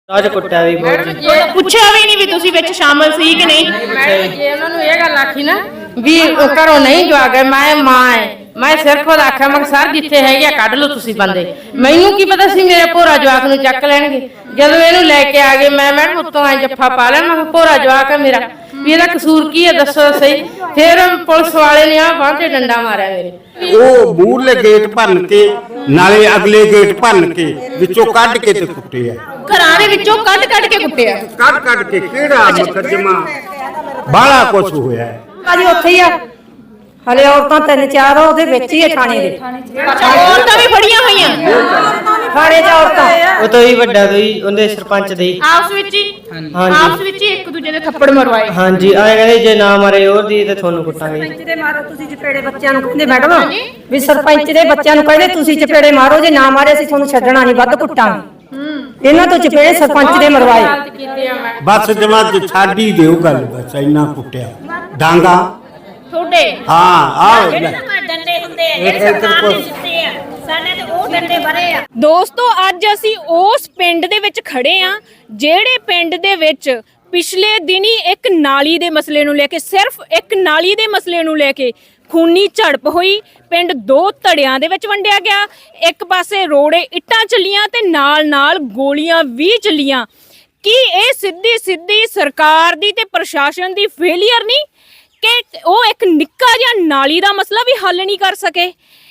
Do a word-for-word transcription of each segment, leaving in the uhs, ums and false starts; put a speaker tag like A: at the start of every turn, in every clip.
A: ਰਾਜ ਕੁੱਟਿਆ ਵੀ ਬਹੁਤ ਜੀ।
B: ਪੁੱਛਿਆ ਵੀ ਨਹੀਂ ਵੀ ਤੁਸੀਂ ਵਿੱਚ ਸ਼ਾਮਲ ਸੀ ਕਿ ਨਹੀਂ?
C: ਜੇ ਉਹਨਾਂ ਨੂੰ ਇਹ ਗੱਲ ਆਖੀ ਨਾ ਵੀ ਘਰੋਂ ਨਹੀਂ ਜਵਾ ਗਏ, ਮੈਂ ਮਾਂ ਐ, ਮੈਂ ਸਿਰ ਖੁਦ ਆਖਿਆ ਮੈਂ ਸਰ ਜਿੱਥੇ ਹੈਗੇ ਕੱਢ ਲਓ ਤੁਸੀਂ ਬੰਦੇ। ਮੈਨੂੰ ਕੀ ਪਤਾ ਸੀ ਮੇਰੇ ਭੋਰਾ ਜਵਾਕ ਨੂੰ ਚੱਕ ਲੈਣਗੇ। ਜਦੋਂ ਇਹਨੂੰ ਲੈ ਕੇ ਆ ਗਏ ਮੈਂ ਮੈਡਮ ਉੱਤੋਂ ਐ ਜੱਫਾ ਪਾ ਲਿਆ, ਮੈਂ ਭੋਰਾ ਜਵਾਕ ਆ ਮੇਰਾ, ਵੀ ਇਹਦਾ ਕਸੂਰ ਕੀ ਹੈ ਦੱਸੋ ਸਹੀ। ਫਿਰ ਪੁਲਿਸ ਵਾਲੇ ਨੇ ਆ ਬਾਂਹ ਤੇ ਡੰਡਾ ਮਾਰਿਆ ਮੇਰੇ।
D: ਉਹ ਮੂਹਰਲੇ ਗੇਟ ਭੰਨ ਕੇ ਨਾਲੇ ਅਗਲੇ ਗੇਟ ਭੰਨ ਕੇ ਵਿੱਚੋਂ ਕੱਢ ਕੇ ਤੇ ਕੁੱਟੇ ਆ।
B: ਘਰਾਂ ਦੇ ਵਿੱਚੋਂ ਕੱਢ ਕੱਢ ਕੇ ਕੁੱਟਿਆ।
D: ਕੱਢ ਕੱਢ ਕੇ ਕਿਹੜਾ ਮੁਕੱਦਮਾ ਬਾਲਾ ਕੁਛ ਹੋਇਆ
E: ਭਾਜੀ ਉੱਥੇ ਹੀ ਆ ਹਲੇ ਔਰਤਾਂ ਤਿੰਨ ਚਾਰ ਉਹਦੇ ਵਿੱਚ ਹੀ ਆ ਥਾਣੇ ਦੇ।
B: ਅੱਛਾ ਔਰਤਾਂ ਵੀ ਫੜੀਆਂ ਹੋਈਆਂ
E: ਥਾਣੇ 'ਚ ਔਰਤਾਂ
A: ਉਹ ਤੋਂ ਹੀ ਵੱਡਾ ਤੋਂ ਹੀ ਉਹਦੇ ਸਰਪੰਚ ਦੇ ਹੀ।
B: ਆਪਸ ਵਿੱਚ ਹੀ
A: ਹਾਂਜੀ
B: ਆਪਸ ਵਿੱਚ ਹੀ ਇੱਕ ਦੂਜੇ ਦੇ ਥੱਪੜ ਮਰਵਾਏ।
A: ਹਾਂਜੀ ਆਏ ਕਹਿੰਦੇ ਜੇ ਨਾ ਮਾਰੇ ਹੋਰ ਦੀ ਤੇ ਤੁਹਾਨੂੰ ਕੁੱਟਾਂਗੇ।
E: ਸਰਪੰਚ ਦੇ ਮਾਰੋ ਤੁਸੀਂ ਚਪੇੜੇ ਬੱਚਿਆਂ ਨੂੰ ਕਹਿੰਦੇ ਮੈਡਮ ਵੀ ਸਰਪੰਚ ਦੇ ਬੱਚਿਆਂ ਨੂੰ ਕਹਿੰਦੇ ਤੁਸੀਂ ਚਪੇੜੇ ਮਾਰੋ, ਜੇ ਨਾ ਮਾਰੇ ਅਸੀਂ ਤੁਹਾਨੂੰ ਛੱਡਣਾ ਨਹੀਂ, ਵੱਧ ਕੁੱਟਾਂਗੇ। ਇਹਨਾਂ ਤੋਂ ਚਪੇੜੇ ਸਰਪੰਚ ਦੇ ਮਰਵਾਏ।
D: ਬਸ ਜਮਾ ਛੱਡ ਹੀ ਦਿਓ ਗੱਲ, ਬਸ ਇੰਨਾ ਕੁੱਟਿਆ ਡਾਂਗਾ
B: ਤੁਹਾਡੇ
D: ਹਾਂ ਆਹ
F: ਡੰਡੇ ਹੁੰਦੇ ਆ ਜਿਹੜੇ ਸਰਕਾਰ ਨੇ ਦਿੱਤੇ ਆ, ਸਾਡੇ ਤੇ ਉਹ ਡੰਡੇ ਭਰੇ ਆ।
B: ਦੋਸਤੋ ਅੱਜ ਅਸੀਂ ਉਸ ਪਿੰਡ ਦੇ ਵਿੱਚ ਖੜੇ ਆ ਜਿਹੜੇ ਪਿੰਡ ਦੇ ਵਿੱਚ ਪਿਛਲੇ ਦਿਨੀ ਇੱਕ ਨਾਲੀ ਦੇ ਮਸਲੇ ਨੂੰ ਲੈ ਕੇ, ਸਿਰਫ ਇੱਕ ਨਾਲੀ ਦੇ ਮਸਲੇ ਨੂੰ ਲੈ ਕੇ ਖੂਨੀ ਝੜਪ ਹੋਈ। ਪਿੰਡ ਦੋ ਧੜਿਆਂ ਦੇ ਵਿੱਚ ਵੰਡਿਆ ਗਿਆ। ਇੱਕ ਪਾਸੇ ਰੋੜੇ ਇੱਟਾਂ ਚੱਲੀਆਂ ਤੇ ਨਾਲ ਨਾਲ ਗੋਲੀਆਂ ਵੀ ਚੱਲੀਆਂ। ਕੀ ਇਹ ਸਿੱਧੀ ਸਿੱਧੀ ਸਰਕਾਰ ਦੀ ਤੇ ਪ੍ਰਸ਼ਾਸਨ ਦੀ ਫੇਲੀਅਰ ਨਹੀਂ ਕਿ ਉਹ ਇੱਕ ਨਿੱਕਾ ਜਿਹਾ ਨਾਲੀ ਦਾ ਮਸਲਾ ਵੀ ਹੱਲ ਨਹੀਂ ਕਰ ਸਕੇ?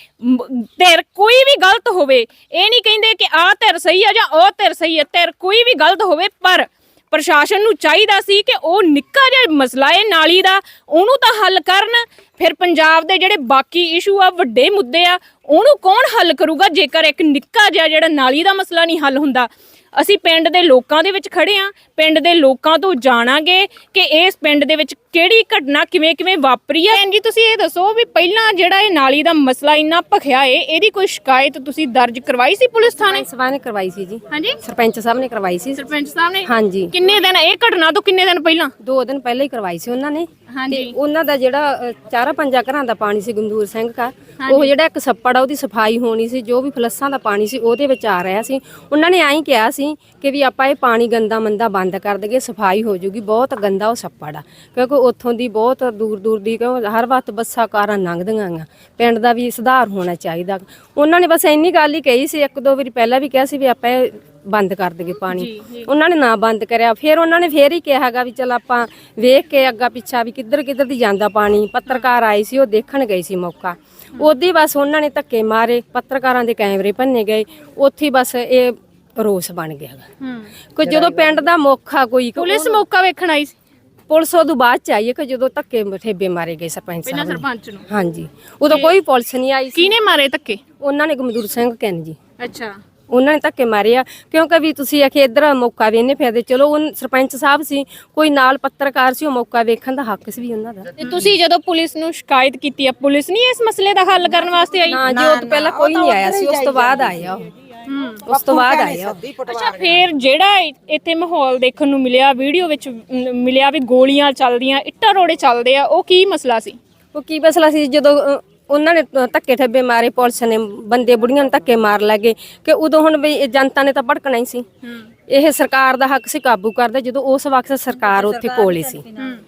B: ਧਿਰ ਕੋਈ ਵੀ ਗਲਤ ਹੋਵੇ, ਇਹ ਨਹੀਂ ਕਹਿੰਦੇ ਕਿ ਆਹ ਧਿਰ ਸਹੀ ਆ ਜਾਂ ਉਹ ਧਿਰ ਸਹੀ ਹੈ, ਧਿਰ ਕੋਈ ਵੀ ਗਲਤ ਹੋਵੇ, ਪਰ ਪ੍ਰਸ਼ਾਸਨ ਨੂੰ ਚਾਹੀਦਾ ਸੀ ਕਿ ਉਹ ਨਿੱਕਾ ਜਿਹਾ ਮਸਲਾ ਹੈ ਨਾਲੀ ਦਾ, ਉਹਨੂੰ ਤਾਂ ਹੱਲ ਕਰਨ। ਫਿਰ ਪੰਜਾਬ ਦੇ ਜਿਹੜੇ ਬਾਕੀ ਇਸ਼ੂ ਆ, ਵੱਡੇ ਮੁੱਦੇ ਆ, ਉਹਨੂੰ ਕੌਣ ਹੱਲ ਕਰੂਗਾ ਜੇਕਰ ਇੱਕ ਨਿੱਕਾ ਜਿਹਾ ਜਿਹੜਾ ਨਾਲੀ ਦਾ ਮਸਲਾ ਨਹੀਂ ਹੱਲ ਹੁੰਦਾ? ਅਸੀਂ ਪਿੰਡ ਦੇ ਲੋਕਾਂ ਦੇ ਵਿੱਚ ਖੜੇ ਆ, ਪਿੰਡ ਦੇ ਲੋਕਾਂ ਤੋਂ ਜਾਣਾਂਗੇ ਕਿ ਇਸ ਪਿੰਡ ਦੇ ਵਿੱਚ ਕਿਹੜੀ ਘਟਨਾ ਕਿਵੇਂ ਕਿਵੇਂ ਵਾਪਰੀ ਹੈ। ਜੀ ਤੁਸੀਂ ਇਹ ਦੱਸੋ ਵੀ ਪਹਿਲਾਂ ਜਿਹੜਾ ਇਹ ਨਾਲੀ ਦਾ ਮਸਲਾ ਇੰਨਾ ਭਖਿਆ ਏ, ਇਹਦੀ ਕੋਈ ਸ਼ਿਕਾਇਤ ਤੁਸੀਂ ਦਰਜ ਕਰਵਾਈ ਸੀ ਪੁਲਿਸ ਥਾਣੇ?
E: ਸਭਾ ਨੇ ਕਰਵਾਈ ਸੀ ਜੀ।
B: ਹਾਂਜੀ
E: ਸਰਪੰਚ ਸਾਹਿਬ ਨੇ ਕਰਵਾਈ ਸੀ।
B: ਸਰਪੰਚ ਸਾਹਿਬ ਨੇ?
E: ਹਾਂਜੀ।
B: ਕਿੰਨੇ ਦਿਨ ਇਹ ਘਟਨਾ ਤੋਂ ਕਿੰਨੇ ਦਿਨ ਪਹਿਲਾਂ?
E: ਦੋ ਦਿਨ ਪਹਿਲਾਂ ਹੀ ਕਰਵਾਈ ਸੀ ਉਹਨਾਂ ਨੇ।
B: ਹਾਂਜੀ।
E: ਤੇ ਉਹਨਾਂ ਦਾ ਜਿਹੜਾ ਅ, ਚਾਰਾਂ ਪੰਜਾਂ ਘਰਾਂ ਦਾ ਪਾਣੀ ਸੀ ਗੰਦੂਰ ਸਿੰਘ ਘਰ, ਉਹ ਜਿਹੜਾ ਇੱਕ ਛੱਪੜ ਆ ਉਹਦੀ ਸਫਾਈ ਹੋਣੀ ਸੀ, ਜੋ ਵੀ ਫਲੱਸਾਂ ਦਾ ਪਾਣੀ ਸੀ ਉਹਦੇ ਵਿੱਚ ਆ ਰਿਹਾ ਸੀ। ਉਹਨਾਂ ਨੇ ਐਂ ਕਿਹਾ ਸੀ ਕਿ ਵੀ ਆਪਾਂ ਇਹ ਪਾਣੀ ਗੰਦਾ ਮੰਦਾ ਬੰਦ ਕਰ ਦਈਏ, ਸਫਾਈ ਹੋ ਜੂਗੀ। ਬਹੁਤ ਗੰਦਾ ਉਹ ਛੱਪੜ ਆ, ਕਿਉਂਕਿ ਉੱਥੋਂ ਦੀ ਬਹੁਤ ਦੂਰ ਦੂਰ ਦੀ ਕਿਉਂ ਹਰ ਵਕਤ ਬੱਸਾਂ ਕਾਰਾਂ ਲੰਘਦੀਆਂ ਆ। ਪਿੰਡ ਦਾ ਵੀ ਸੁਧਾਰ ਹੋਣਾ ਚਾਹੀਦਾ। ਉਹਨਾਂ ਨੇ ਬਸ ਇੰਨੀ ਗੱਲ ਹੀ ਕਹੀ ਸੀ। ਇੱਕ ਦੋ ਵਾਰੀ ਪਹਿਲਾਂ ਵੀ ਕਿਹਾ ਸੀ ਵੀ ਆਪਾਂ ਇਹ ਬੰਦ ਕਰ ਦਈਏ ਪਾਣੀ, ਉਹਨਾਂ ਨੇ ਨਾ ਬੰਦ ਕਰਿਆ। ਫਿਰ ਉਹਨਾਂ ਨੇ ਫੇਰ ਹੀ ਕਿਹਾਗਾ ਵੀ ਚਲ ਆਪਾਂ ਵੇਖ ਕੇ ਅੱਗਾ ਪਿੱਛਾ ਵੀ ਕਿੱਧਰ ਕਿੱਧਰ ਦੀ ਜਾਂਦਾ ਪਾਣੀ। ਪੱਤਰਕਾਰ ਆਏ ਸੀ, ਉਹ ਦੇਖਣ ਗਏ ਸੀ ਮੌਕਾ, ਉਹਦੀ ਬਸ ਉਹਨਾਂ ਨੇ ਧੱਕੇ ਮਾਰੇ, ਪੱਤਰਕਾਰਾਂ ਦੇ ਕੈਮਰੇ ਭੰਨੇ ਗਏ, ਉੱਥੇ ਬਸ ਇਹ ਰੋਸ ਬਣ ਗਿਆ। ਕੋਈ ਜਦੋਂ ਪਿੰਡ ਦਾ ਮੌਕਾ ਕੋਈ
B: ਪੁਲਿਸ ਮੌਕਾ ਵੇਖਣ ਆਈ ਸੀ?
E: ਪੁਲਿਸ ਉਦੋਂ ਬਾਅਦ ਚ ਆਈ ਹੈ ਕਿ ਜਦੋਂ ਧੱਕੇ ਠੇਬੇ ਮਾਰੇ ਗਏ ਸਰਪੰਚ ਸਾਹਿਬ ਨੂੰ।
B: ਸਰਪੰਚ ਨੂੰ? ਹਾਂਜੀ।
E: ਉਦੋਂ ਕੋਈ ਪੁਲਿਸ ਨਹੀਂ ਆਈ ਸੀ।
B: ਕਿਹਨੇ ਮਾਰੇ ਧੱਕੇ?
E: ਉਹਨਾਂ ਨੇ ਗਮਦੂਰ ਸਿੰਘ ਕਹਿਣ ਜੀ।
B: ਅੱਛਾ।
E: ਉਹਨਾਂ ਨੇ ਧੱਕੇ ਮਾਰੇ ਆ ਕਿਉਂਕਿ ਵੀ ਤੁਸੀਂ ਆਖੇ ਇੱਧਰ ਮੌਕਾ ਵੇਨੇ ਫਿਰਦੇ। ਚਲੋ ਉਹ ਸਰਪੰਚ ਸਾਹਿਬ ਸੀ, ਕੋਈ ਨਾਲ ਪੱਤਰਕਾਰ ਸੀ, ਉਹ ਮੌਕਾ ਵੇਖਣ ਦਾ ਹੱਕ ਸੀ ਵੀ ਉਹਨਾਂ ਦਾ।
B: ਤੇ ਤੁਸੀਂ ਜਦੋਂ ਪੁਲਿਸ ਨੂੰ ਸ਼ਿਕਾਇਤ ਕੀਤੀ ਆ, ਪੁਲਿਸ ਨਹੀਂ ਇਸ ਮਸਲੇ ਦਾ ਹੱਲ ਕਰਨ ਵਾਸਤੇ ਆਈ?
E: ਨਾ ਜੀ, ਉਹ ਤੋਂ ਪਹਿਲਾਂ ਕੋਈ ਨਹੀਂ ਆਇਆ ਸੀ, ਉਸ ਤੋਂ ਬਾਅਦ ਆਇਆ ਉਹ। ਉਸ ਤੋਂ ਬਾਅਦ ਆਇਆ।
B: ਅੱਛਾ, ਫਿਰ ਜਿਹੜਾ ਇੱਥੇ ਮਾਹੌਲ ਦੇਖਣ ਨੂੰ ਮਿਲਿਆ, ਵੀਡੀਓ ਵਿੱਚ ਮਿਲਿਆ ਵੀ ਗੋਲੀਆਂ ਚੱਲਦੀਆਂ, ਇੱਟਾਂ ਰੋੜੇ ਚੱਲਦੇ ਆ, ਉਹ ਕੀ ਮਸਲਾ ਸੀ?
E: ਉਹ ਕੀ ਮਸਲਾ ਸੀ? ਜਦੋਂ ਉਹਨਾਂ ਨੇ ਧੱਕੇ ਠੱਬੇ ਮਾਰੇ, ਪੁਲਿਸ ਨੇ ਬੰਦੇ ਬੁੜੀਆਂ ਨੂੰ ਧੱਕੇ ਮਾਰ ਲੱਗੇ ਕਿ ਉਦੋਂ ਹੁਣ ਵੀ ਜਨਤਾ ਨੇ ਤਾਂ ਭੜਕਣਾ ਹੀ ਸੀ। ਇਹ ਸਰਕਾਰ ਦਾ ਹੱਕ ਸੀ ਕਾਬੂ ਕਰਦੇ, ਜਦੋਂ ਉਸ ਵਕਤ ਸਰਕਾਰ ਉੱਥੇ ਕੋਲੇ ਸੀ,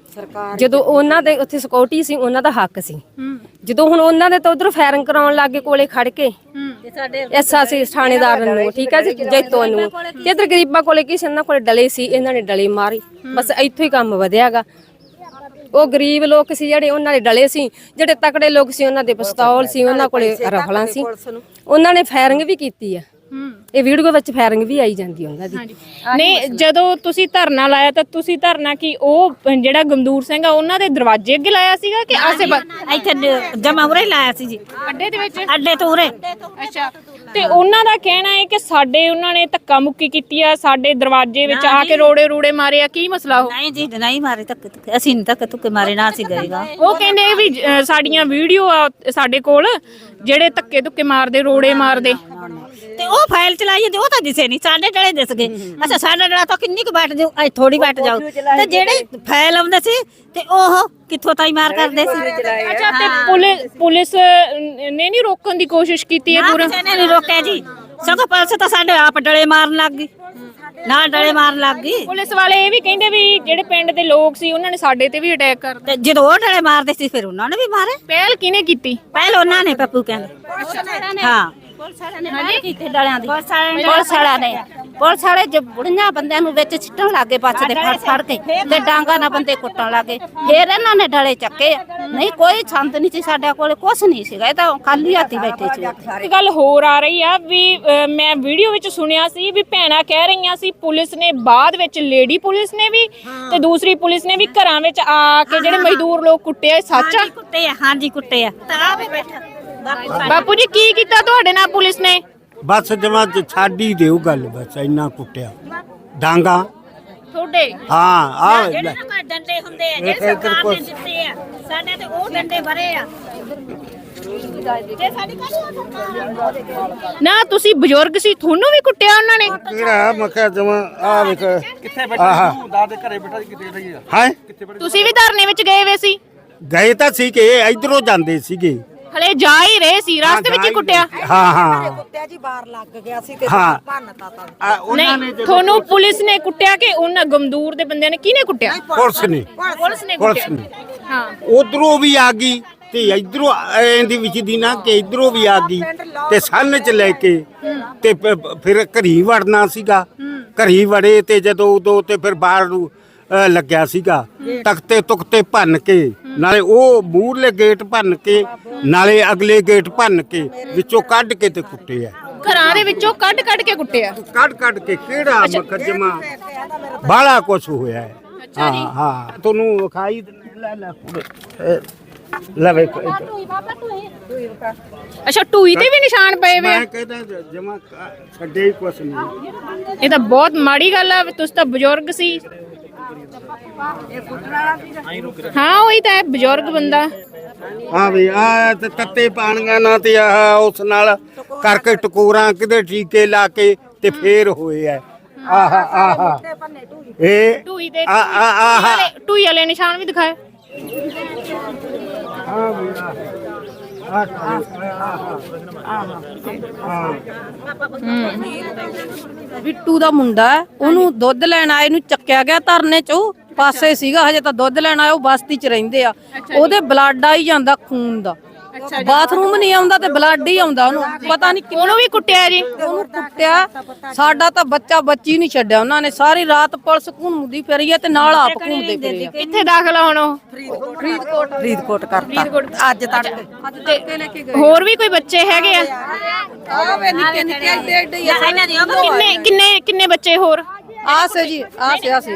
E: ਜਦੋਂ ਉਹਨਾਂ ਦੇ ਉੱਥੇ ਸਿਕਿਉਰਿਟੀ ਸੀ, ਉਹਨਾਂ ਦਾ ਹੱਕ ਸੀ। ਜਦੋਂ ਹੁਣ ਉਹਨਾਂ ਦੇ ਤਾਂ ਉਧਰ ਫਾਇਰਿੰਗ ਕਰਾਉਣ ਲੱਗੇ ਕੋਲੇ ਖੜ ਕੇ ਐਸਾ ਸੀ ਥਾਣੇਦਾਰ ਨੂੰ, ਠੀਕ ਹੈ ਜੀ, ਜੈਤੋ ਨੂੰ, ਤੇ ਇਧਰ ਗਰੀਬਾਂ ਕੋਲੇ ਕੀ ਸੀ, ਇਹਨਾਂ ਕੋਲੇ ਡਲੇ ਸੀ, ਇਹਨਾਂ ਨੇ ਡਲੇ ਮਾਰੇ। ਬਸ ਇੱਥੋਂ ਹੀ ਕੰਮ ਵਧਿਆਗਾ। ਉਹ ਗਰੀਬ ਲੋਕ ਸੀ ਜਿਹੜੇ ਉਹਨਾਂ ਦੇ ਡਲੇ ਸੀ, ਜਿਹੜੇ ਤਕੜੇ ਲੋਕ ਸੀ ਉਹਨਾਂ ਦੇ ਪਿਸਤੌਲ ਸੀ, ਉਹਨਾਂ ਕੋਲੇ ਰਫਲਾਂ ਸੀ, ਉਹਨਾਂ ਨੇ ਫਾਇਰਿੰਗ ਵੀ ਕੀਤੀ ਆ। ਇਹ ਵੀਡੀਓ ਵਿੱਚ ਫਾਇਰਿੰਗ ਵੀ ਆਈ ਜਾਂਦੀ ਉਹਨਾਂ ਦੀ।
B: ਨਹੀਂ, ਜਦੋਂ ਤੁਸੀਂ ਧਰਨਾ ਲਾਇਆ ਤਾਂ ਤੁਸੀਂ ਧਰਨਾ ਕੀ ਉਹ ਜਿਹੜਾ ਗਮਦੂਰ ਸਿੰਘ ਆ ਉਹਨਾਂ ਦੇ ਦਰਵਾਜ਼ੇ ਅੱਗੇ ਲਾਇਆ ਸੀਗਾ ਕਿ ਆਸੇ ਪਾਸੇ?
F: ਇੱਥੇ ਜਮਾ ਉਰੇ ਲਾਇਆ ਸੀ ਜੀ,
B: ਅੱਡੇ ਦੇ ਵਿੱਚ?
F: ਅੱਡੇ ਤੋਂ ਉਰੇ।
B: ਅੱਛਾ। ਤੇ ਉਹਨਾਂ ਦਾ ਕਹਿਣਾ ਹੈ ਕਿ ਸਾਡੇ ਉਹਨਾਂ ਨੇ ਧੱਕਾ ਮੁੱਕੀ ਕੀਤੀ ਆ, ਸਾਡੇ ਦਰਵਾਜ਼ੇ ਵਿੱਚ ਆ ਕੇ ਰੋੜੇ ਰੂੜੇ ਮਾਰੇ ਆ। ਕੀ ਮਸਲਾ ਹੋ?
F: ਨਹੀਂ ਜੀ, ਨਹੀਂ ਮਾਰੇ ਧੱਕੇ ਧੁੱਕੇ, ਅਸੀਂ ਨਹੀਂ ਧੱਕੇ ਧੁੱਕੇ ਮਾਰੇ, ਨਾ ਅਸੀਂ ਗਏਗਾ।
B: ਉਹ ਕਹਿੰਦੇ ਵੀ ਅ, ਸਾਡੀਆਂ ਵੀਡੀਓ ਆ ਸਾਡੇ ਕੋਲ, ਜਿਹੜੇ ਧੱਕੇ ਧੁੱਕੇ ਮਾਰਦੇ, ਰੋੜੇ ਮਾਰਦੇ।
F: ਤੇ ਉਹ ਫਾਈਲ ਚਲਾਈ ਜਾਂਦੀ, ਉਹ ਤਾਂ ਦਿਸੇ ਨਹੀਂ, ਸਾਡੇ ਡਲੇ ਦਿਸ ਗਏ। ਅੱਛਾ, ਸਾਡਾ ਡਲਾ ਤਾਂ ਕਿੰਨੀ ਕੁ ਬੈਠ ਜਾਊ, ਅੱਜ ਥੋੜੀ ਬੈਠ ਜਾਊ। ਤੇ ਜਿਹੜੇ ਫਾਈਲ ਆਉਂਦੇ ਸੀ ਤੇ ਉਹ ਕਿੱਥੋਂ ਤਾਈ ਮਾਰ ਕਰਦੇ ਸੀ।
B: ਅੱਛਾ, ਤੇ ਪੁਲਿਸ ਪੁਲਿਸ ਨੇ ਨਹੀਂ ਰੋਕਣ ਦੀ ਕੋਸ਼ਿਸ਼ ਕੀਤੀ ਹੈ ਪੂਰਾ?
F: ਕਿਸੇ ਨੇ ਨਹੀਂ ਰੋਕਿਆ ਜੀ, ਸਗੋਂ ਪੁਲਿਸ ਤਾਂ ਸਾਡੇ ਆਪ ਡਲੇ ਮਾਰਨ ਲੱਗ ਗਈ। ਨਾਲ ਡਲੇ ਮਾਰਨ ਲੱਗ ਗਈ
B: ਪੁਲਿਸ ਵਾਲੇ ਇਹ ਵੀ ਕਹਿੰਦੇ ਵੀ ਜਿਹੜੇ ਪਿੰਡ ਦੇ ਲੋਕ ਸੀ ਉਹਨਾਂ ਨੇ ਸਾਡੇ ਤੇ ਵੀ ਅਟੈਕ ਕਰ ਦਿੱਤਾ।
F: ਤੇ ਜਦੋਂ ਉਹ ਡਲੇ ਮਾਰਦੇ ਸੀ ਫਿਰ ਉਹਨਾਂ ਨੇ ਵੀ ਮਾਰੇ।
B: ਪਹਿਲ ਕਿਹਨੇ ਕੀਤੀ?
F: ਪਹਿਲ ਉਹਨਾਂ ਨੇ ਪੱਪੂ ਕਹਿੰਦੇ। ਹਾਂ ਪੁਲਿਸ ਵਾਲਿਆਂ ਨੇ ਮਾਰ ਕੀਤੇ ਡਲਿਆਂ ਦੀ। ਪੁਲਿਸ ਵਾਲਿਆਂ ਨੇ ਪੁਲਿਸ ਵਾਲੇ ਜੇ ਬੁੜੀਆਂ ਬੰਦਿਆਂ ਨੂੰ ਵਿੱਚ ਸਿੱਟਣ ਲੱਗੇ ਬੱਸ ਦੇ ਫੜ ਫੜ ਕੇ ਤੇ ਡਾਂਗਾ ਨਾਲ ਬੰਦੇ ਕੁੱਟਣ ਲੱਗੇ। ਫਿਰ ਇਹਨਾਂ ਨੇ ਡਲੇ ਚੱਕੇ। ਨਹੀਂ ਕੋਈ ਸੰਤ ਨਹੀਂ ਸੀ ਸਾਡੇ ਕੋਲ, ਕੁਛ ਨਹੀਂ ਸੀਗਾ, ਇਹ ਤਾਂ ਖਾਲੀ ਹੱਥੀ ਬੈਠੇ ਸੀ।
B: ਇੱਕ ਗੱਲ ਹੋਰ ਆ ਰਹੀ ਆ ਵੀ ਅਹ, ਮੈਂ ਵੀਡੀਓ ਵਿੱਚ ਸੁਣਿਆ ਸੀ ਵੀ ਭੈਣਾਂ ਕਹਿ ਰਹੀਆਂ ਸੀ ਪੁਲਿਸ ਨੇ ਬਾਅਦ ਵਿੱਚ ਲੇਡੀ ਪੁਲਿਸ ਨੇ ਵੀ ਤੇ ਦੂਸਰੀ ਪੁਲਿਸ ਨੇ ਵੀ ਘਰਾਂ ਵਿੱਚ ਆ ਕੇ ਜਿਹੜੇ ਮਜ਼ਦੂਰ ਲੋਕ ਕੁੱਟੇ ਆ। ਸੱਚ ਆ?
F: ਕੁੱਟੇ ਆ, ਹਾਂਜੀ ਕੁੱਟੇ ਆ। ਤਾਂ ਆ ਵੀ ਬੈਠਾ
B: ਬਾਪੂ ਜੀ ਕੀ ਕੀਤਾ ਤੁਹਾਡੇ ਨਾਲ ਪੁਲਿਸ ਨੇ?
D: ਬਸ ਜਮਾ ਛਾੜੀ ਦਿਓ ਗੱਲ, ਬਸ ਇੰਨਾ ਕੁੱਟਿਆ ਡਾਂਗਾ।
B: ਤੁਹਾਡੇ
D: ਹਾਂ ਆ
F: ਜਿਹੜੇ ਨਾ ਕੋਈ ਡੰਡੇ ਹੁੰਦੇ ਆ ਜਿਹੜੇ ਸਰਕਾਰ ਨੇ ਦਿੱਤੇ ਆ, ਸਾਡੇ ਤੇ ਉਹ ਡੰਡੇ ਭਰੇ ਆ। ਤੇ ਸਾਡੀ ਕਾਹਦੀ
B: ਨਾ ਤੁਸੀਂ ਬਜ਼ੁਰਗ ਸੀ, ਤੁਹਾਨੂੰ ਵੀ ਕੁੱਟਿਆ ਉਹਨਾਂ ਨੇ?
D: ਕਿਹੜਾ ਮੱਕਾ ਜਮਾ ਆ ਵੇਖ
G: ਕਿੱਥੇ ਬੈਠਾ ਤੂੰ ਦਾਦੇ ਘਰੇ ਬੈਠਾ ਕਿੱਥੇ ਰਹੀ ਆ?
D: ਹੈ
B: ਤੁਸੀਂ ਵੀ ਧਰਨੇ ਵਿੱਚ ਗਏ ਵੇ ਸੀ?
D: ਗਏ ਤਾਂ ਸੀ ਕਿ ਇਧਰੋਂ ਜਾਂਦੇ ਸੀਗੇ।
B: ਹਲੇ ਜਾ ਹੀ ਰਹੇ ਸੀ, ਰਸਤੇ ਵਿੱਚ ਹੀ ਕੁੱਟਿਆ?
D: ਹਾਂ ਹਾਂ
H: ਕੁੱਤਿਆ ਜੀ ਬਾਹਰ ਲੱਗ ਗਿਆ ਸੀ ਤੇ
D: ਹਾਂ।
H: ਭੰਨਤਾ ਤਾਂ
D: ਆ, ਉਹਨਾਂ ਨੇ
B: ਨਹੀਂ ਤੁਹਾਨੂੰ ਪੁਲਿਸ ਨੇ ਕੁੱਟਿਆ ਕਿ ਉਹਨਾਂ ਗਮਦੂਰ ਦੇ ਬੰਦਿਆਂ ਨੇ? ਕਿਹਨੇ ਕੁੱਟਿਆ?
D: ਪੁਲਿਸ ਨੇ
B: ਪੁਲਿਸ ਨੇ
D: ਪੁਲਿਸ
B: ਕੁੱਟਿਆ।
D: ਨੇ
B: ਹਾਂ
D: ਉਧਰੋਂ ਵੀ ਆ ਗਈ ਤੇ ਇਧਰੋਂ ਇਹਦੀ ਵਿੱਚ ਦੀ ਨਾ ਕਿ ਇਧਰੋਂ ਵੀ ਆ ਗਈ ਤੇ ਸੰਨ ਚ ਲੈ ਕੇ ਤੇ ਪ- ਫਿਰ ਘਰੀ ਵੜਨਾ ਸੀਗਾ। ਘਰੀ ਵੜੇ ਤੇ ਜਦੋਂ ਉਦੋਂ ਤੇ ਫਿਰ ਬਾਹਰ ਨੂੰ ਅ, ਲੱਗਿਆ ਸੀਗਾ ਤਖਤੇ ਤੁਖਤੇ ਭੰਨ ਕੇ, ਨਾਲੇ ਉਹ ਮੂਹਰਲੇ ਗੇਟ ਭੰਨ ਕੇ, ਨਾਲੇ ਅਗਲੇ ਗੇਟ ਭੰਨ ਕੇ ਵਿੱਚੋਂ ਕੱਢ ਕੇ ਤੇ ਕੁੱਟੇ ਆ।
B: ਘਰਾਂ ਦੇ ਵਿੱਚੋਂ ਕੱਢ ਕੱਢ ਕੇ ਕੁੱਟਿਆ?
D: ਕੱਢ ਕੱਢ ਕੇ ਕਿਹੜਾ ਮੁਕੱਦਮਾ ਬਾਲਾ ਕੁਛ ਹੋਇਆ ਹੈ। ਹਾਂ ਹਾਂ ਤੁਹਾਨੂੰ ਵਿਖਾਈ ਲੈ ਲੈ ਕੁੜੇ ਲੈ ਵੇਖ
B: ਅੱਛਾ ਟੂਈ ਤੇ ਵੀ ਨਿਸ਼ਾਨ ਪਏ ਵੇ ਆ?
D: ਮੈਂ ਕਹਿੰਦਾ ਜਮਾ ਛੱਡੇ ਹੀ ਕੁਛ ਨਹੀਂ।
B: ਇਹ ਤਾਂ ਬਹੁਤ ਮਾੜੀ ਗੱਲ ਆ, ਤੁਸੀਂ ਤਾਂ ਬਜ਼ੁਰਗ ਸੀ। ਹਾਂ ਉਹੀ ਤਾਂ ਹੈ, ਬਜ਼ੁਰਗ ਬੰਦਾ।
D: ਹਾਂ ਵੀ ਆ ਤੇ ਤੱਤੇ ਪਾਣੀਆਂ ਨਾਲ ਤੇ ਆਹ ਉਸ ਨਾਲ ਕਰਕੇ ਟਕੋਰਾਂ ਕਿਤੇ ਟੀਕੇ ਲਾ ਕੇ ਤੇ ਫੇਰ ਹੋਏ ਆ। ਆਹ ਆਹ ਇਹ
B: ਟੂਈ ਦੇ
D: ਆ ਆ ਆਹ
B: ਟੂਈ ਵਾਲੇ ਨਿਸ਼ਾਨ ਵੀ ਦਿਖਾਏ।
D: ਹਾਂ ਵੀ
H: ਬਿੱਟੂ ਦਾ ਮੁੰਡਾ ਹੈ, ਉਹਨੂੰ ਦੁੱਧ ਲੈਣ ਆਏ ਨੂੰ ਚੱਕਿਆ ਗਿਆ ਧਰਨੇ ਚੋਂ ਪਾਸੇ ਸੀਗਾ, ਹਜੇ ਤਾਂ ਦੁੱਧ ਲੈਣ ਆਇਆ, ਉਹ ਬਸਤੀ ਚ ਰਹਿੰਦੇ ਆ। ਉਹਦੇ ਬਲੱਡ ਆਈ ਜਾਂਦਾ ਖੂਨ ਦਾ, ਬਾਥਰੂਮ ਨਹੀਂ ਆਉਂਦਾ ਤੇ ਬਲੱਡ ਹੀ ਆਉਂਦਾ ਉਹਨੂੰ। ਪਤਾ ਨਹੀਂ
B: ਉਹਨੂੰ ਵੀ ਕੁੱਟਿਆ ਜੀ?
H: ਉਹਨੂੰ ਕੁੱਟਿਆ। ਸਾਡਾ ਤਾਂ ਬੱਚਾ ਬੱਚੀ ਨਹੀਂ ਛੱਡਿਆ ਉਹਨਾਂ ਨੇ। ਸਾਰੀ ਰਾਤ ਪੁਲਿਸ ਘੁੰਮਦੀ ਫਿਰੀ ਹੈ ਤੇ ਨਾਲ ਆਪ ਘੁੰਮਦੇ ਫਿਰੇ ਆ।
B: ਕਿੱਥੇ ਦਾਖਲ ਆ ਹੁਣ ਉਹ?
H: ਫਰੀਦਕੋਟ ਫਰੀਦਕੋਟ ਕਰਤਾ ਅੱਜ ਤੱਕ। ਅੱਜ ਤੱਕ ਲੈ ਕੇ ਗਏ।
B: ਹੋਰ ਵੀ ਕੋਈ ਬੱਚੇ ਹੈਗੇ ਆ?
H: ਆਵੇ ਨਿੱਕੇ ਨਿੱਕੇ ਏਡੇ ਏਡੇ ਹੀ ਆ।
B: ਕਿੰਨੇ ਕਿੰਨੇ ਕਿੰਨੇ ਬੱਚੇ ਹੋਰ?
H: ਆਸ ਜੀ ਆਸ ਆਸ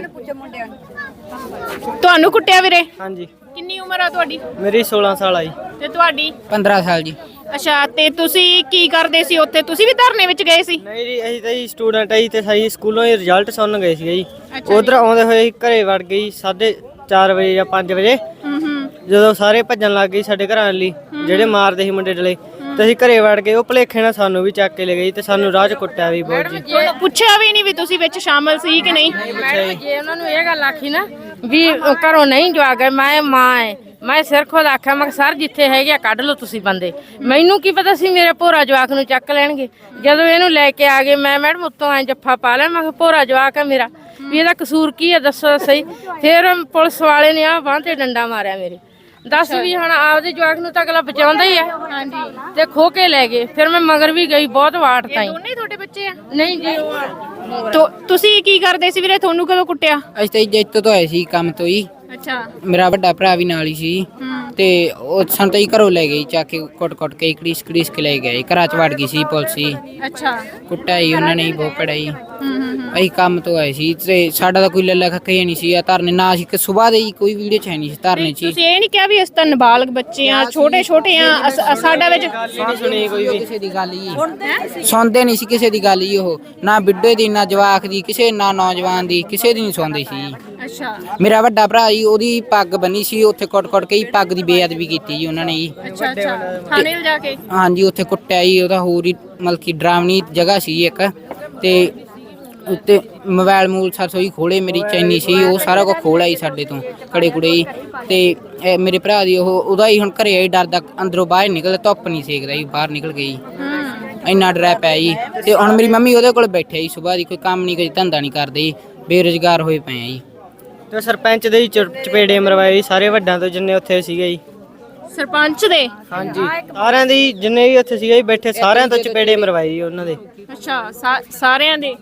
B: ਤੁਹਾਨੂੰ ਕੁੱਟਿਆ ਵੀਰੇ?
A: ਹਾਂਜੀ
B: ਕਿੰਨੀ ਉਮਰ ਆ ਤੁਹਾਡੀ?
A: ਮੇਰੀ ਸੋਲਾਂ ਸਾਲ ਆਈ।
B: ਤੇ ਤੁਹਾਡੀ?
I: ਪੰਦਰਾਂ ਸਾਲ ਜੀ।
B: ਅੱਛਾ ਤੇ ਤੁਸੀਂ ਕੀ ਕਰਦੇ ਸੀ ਉੱਥੇ? ਤੁਸੀਂ ਵੀ ਧਰਨੇ ਵਿੱਚ ਗਏ ਸੀ?
A: ਨਹੀਂ ਜੀ ਅਸੀਂ ਤਾਂ ਜੀ ਸਟੂਡੈਂਟ ਆਈ ਤੇ ਸਹੀ ਸਕੂਲੋਂ ਹੀ ਰਿਜ਼ਲਟ ਸੁਣਨ ਗਏ ਸੀਗੇ ਜੀ।
B: ਅੱਛਾ
A: ਉਧਰ ਆਉਂਦੇ ਹੋਏ ਅਸੀਂ ਘਰੇ ਵੜ ਗਈ ਸਾਢੇ ਚਾਰ ਵਜੇ ਜਾਂ ਪੰਜ ਵਜੇ।
B: ਹੂੰ ਹੂੰ
A: ਜਦੋਂ ਸਾਰੇ ਭੱਜਣ ਲੱਗ ਗਏ ਸਾਡੇ ਘਰਾਂ ਲਈ ਜਿਹੜੇ ਮਾਰਦੇ ਸੀ ਮੁੰਡੇ ਡਲੇ, ਤੇ ਅਸੀਂ ਘਰੇ ਵੜ ਗਏ। ਉਹ ਭਲੇਖੇ ਨਾਲ ਸਾਨੂੰ ਵੀ ਚੱਕ ਕੇ ਲੈ ਗਈ ਤੇ ਸਾਨੂੰ ਰਾਹ 'ਚ ਕੁੱਟਿਆ ਵੀ ਬਹੁਤ ਜੀ।
B: ਤੁਹਾਨੂੰ ਪੁੱਛਿਆ ਵੀ ਨਹੀਂ ਵੀ ਤੁਸੀਂ ਵਿੱਚ ਸ਼ਾਮਲ ਸੀ ਕਿ ਨਹੀਂ?
C: ਮੈਡਮ ਜੇ ਉਹਨਾਂ ਨੂੰ ਇਹ ਗੱਲ ਆਖੀ ਨਾ ਵੀ ਉਹ ਘਰੋਂ ਨਹੀਂ ਜਵਾ ਗਏ, ਮੈਂ ਮਾਂ ਐ, ਮੈਂ ਸਿਰ ਖੁਦ ਆਖਿਆ ਮੈਂ ਕਿਹਾ ਸਰ ਜਿੱਥੇ ਹੈਗੇ ਆ ਕੱਢ ਲਓ ਤੁਸੀਂ ਬੰਦੇ। ਮੈਨੂੰ ਕੀ ਪਤਾ ਸੀ ਮੇਰੇ ਭੋਰਾ ਜਵਾਕ ਨੂੰ ਚੱਕ ਲੈਣਗੇ। ਜਦੋਂ ਇਹਨੂੰ ਲੈ ਕੇ ਆ ਗਏ ਮੈਂ ਮੈਡਮ ਉੱਤੋਂ ਐ ਜੱਫਾ ਪਾ ਲਿਆ, ਮੈਂ ਕਿਹਾ ਭੋਰਾ ਜਵਾਕ ਆ ਮੇਰਾ, ਵੀ ਇਹਦਾ ਕਸੂਰ ਕੀ ਹੈ ਦੱਸੋ ਸਹੀ। ਫਿਰ ਪੁਲਿਸ ਵਾਲੇ ਨੇ ਆ ਬਾਂਹ ਤੇ ਡੰਡਾ ਮਾਰਿਆ ਮੇਰੇ। ਦੱਸ ਵੀ ਹੁਣ ਆਪਦੇ ਜਵਾਕ ਨੂੰ ਤਾਂ ਅਗਲਾ ਬਚਾਉਂਦਾ ਹੀ ਆ। ਹਾਂਜੀ ਤੇ ਖੋ ਕੇ ਲੈ ਗਏ। ਫਿਰ ਮੈਂ ਮਗਰ ਵੀ ਗਈ, ਬਹੁਤ ਵਾਟ ਤਾਈ।
B: ਦੋਨੇ ਤੁਹਾਡੇ ਬੱਚੇ ਆ?
C: ਨਹੀਂ ਜੀ ਉਹ
B: ਤੋ ਤੁਸੀਂ ਕੀ ਕਰਦੇ ਸੀ ਵੀਰੇ? ਤੁਹਾਨੂੰ ਕਦੋਂ ਕੁੱਟਿਆ?
I: ਅਸੀਂ ਤਾਂ ਜੈਤੋ ਤੋਂ ਆਏ ਸੀ ਕੰਮ ਤੋਂ ਹੀ।
B: ਅੱਛਾ
I: ਮੇਰਾ ਵੱਡਾ ਭਰਾ ਵੀ ਨਾਲ ਹੀ ਸੀ ਤੇ ਉਹ ਸਾਨੂੰ ਤਾਂ ਹੀ ਘਰੋਂ ਲੈ ਗਈ ਚੱਕ ਕੇ ਕੁੱਟ ਕੁੱਟ ਕੇ ਕੜੀਸ ਕੜੀਸ ਕੇ ਲੈ ਗਏ। ਘਰਾਂ 'ਚ ਵੜ ਗਈ ਸੀ ਪੁਲਿਸ ਹੀ।
B: ਅੱਛਾ
I: ਕੁੱਟਾਈ ਉਹਨਾਂ ਨੇ ਹੀ ਬਹੁਤ ਪੜਾਈ।
B: ਹੂੰ ਹੂੰ
I: ਅਸੀਂ ਕੰਮ ਤੋਂ ਆਏ ਸੀ ਤੇ ਸਾਡਾ ਤਾਂ ਕੋਈ ਲੱਲਾ ਖੱਕੇ ਹੀ ਨਹੀਂ ਸੀ। ਆ ਧਰਨੇ ਨਾ ਸੀ ਕਿ ਸਵੇਰ ਦੇ ਹੀ ਕੋਈ ਵੀਡੀਓ ਚ ਹੈ ਨਹੀਂ ਸੀ ਧਰਨੇ 'ਚ।
B: ਤੁਸੀਂ ਇਹ ਨਹੀਂ ਕਿਹਾ ਵੀ ਅਸੀਂ ਤਾਂ ਨਾਬਾਲਗ ਬੱਚੇ ਆ, ਛੋਟੇ ਛੋਟੇ ਆ, ਅਸ- ਸਾਡਾ ਵਿੱਚ
A: ਨਹੀਂ ਸੁਣੀ ਕੋਈ ਵੀ।
I: ਕਿਸੇ ਦੀ ਗੱਲ ਹੀ ਸੁਣਦੇ ਨਹੀਂ ਸੀ, ਕਿਸੇ ਦੀ ਗੱਲ ਹੀ ਉਹ ਨਾ ਬਿੱਡੇ ਦੀ ਨਾ ਜਵਾਕ ਦੀ, ਕਿਸੇ ਨਾ ਨੌਜਵਾਨ ਦੀ, ਕਿਸੇ ਦੀ ਨਹੀਂ ਸੁਣਦੇ ਸੀ।
B: ਅੱਛਾ
I: ਮੇਰਾ ਵੱਡਾ ਭਰਾ ਜੀ ਉਹਦੀ ਪੱਗ ਬੰਨੀ ਸੀ, ਉੱਥੇ ਕੁੱਟ ਕੁੱਟ ਕੇ ਹੀ ਪੱਗ ਦੀ ਬੇਅਦਬੀ ਕੀਤੀ ਜੀ ਉਹਨਾਂ ਨੇ ਜੀ।
B: ਅੱਛਾ ਅੱਛਾ ਥਾਣੇ ਲਿਜਾ ਕੇ?
I: ਹਾਂਜੀ ਉੱਥੇ ਕੁੱਟਿਆ ਜੀ। ਉਹਦਾ ਹੋਰ ਹੀ ਮਤਲਬ ਕਿ ਡਰਾਵਣੀ ਜਗ੍ਹਾ ਸੀ ਇੱਕ, ਤੇ ਉੱਤੇ ਮੋਬਾਈਲ ਮੂਲ ਸਾਸੋਈ ਖੋਲੇ, ਮੇਰੀ ਚੈਨੀ ਸੀ, ਉਹ ਸਾਰਾ ਕੁਝ ਖੋਲਿਆ ਜੀ ਸਾਡੇ ਤੋਂ ਕੜੇ ਕੁੜੇ ਜੀ। ਤੇ ਇਹ ਮੇਰੇ ਭਰਾ ਦੀ ਉਹ ਉਹਦਾ ਹੀ ਹੁਣ ਘਰੇ ਆਈ ਡਰਦਾ, ਅੰਦਰੋਂ ਬਾਹਰ ਨਿਕਲ, ਧੁੱਪ ਨਹੀਂ ਸੇਕਦਾ ਜੀ, ਬਾਹਰ ਨਿਕਲ ਗਈ। ਇੰਨਾ ਡਰ ਪਿਆ ਜੀ। ਤੇ ਹੁਣ ਮੇਰੀ ਮੰਮੀ ਉਹਦੇ ਕੋਲ ਬੈਠੇ ਜੀ, ਸੁਬਾਹ ਦੀ ਕੋਈ ਕੰਮ ਨਹੀਂ, ਕੋਈ ਧੰਦਾ ਨਹੀਂ ਕਰਦੇ ਜੀ, ਬੇਰੁਜ਼ਗਾਰ ਹੋਏ ਪਏ ਆ ਜੀ।
A: ਤੇ ਸਰਪੰਚ ਦੇ ਹੀ ਚ- ਚਪੇੜੇ ਮਰਵਾਏ ਜੀ ਸਾਰੇ ਵੱਡਾਂ ਤੋਂ ਜਿੰਨੇ ਉੱਥੇ ਸੀਗੇ ਜੀ।
B: ਸਰਪੰਚ ਦੇ?
A: ਹਾਂਜੀ, ਸਾਰਿਆਂ ਦੀ ਜਿੰਨੇ ਵੀ ਉੱਥੇ ਸੀਗੇ ਜੀ ਬੈਠੇ ਸਾਰਿਆਂ ਤੋਂ ਚਪੇੜੇ ਮਰਵਾਏ ਜੀ ਉਹਨਾਂ ਦੇ।
B: ਅੱਛਾ, ਸਾ- ਸਾਰਿਆਂ ਦੇ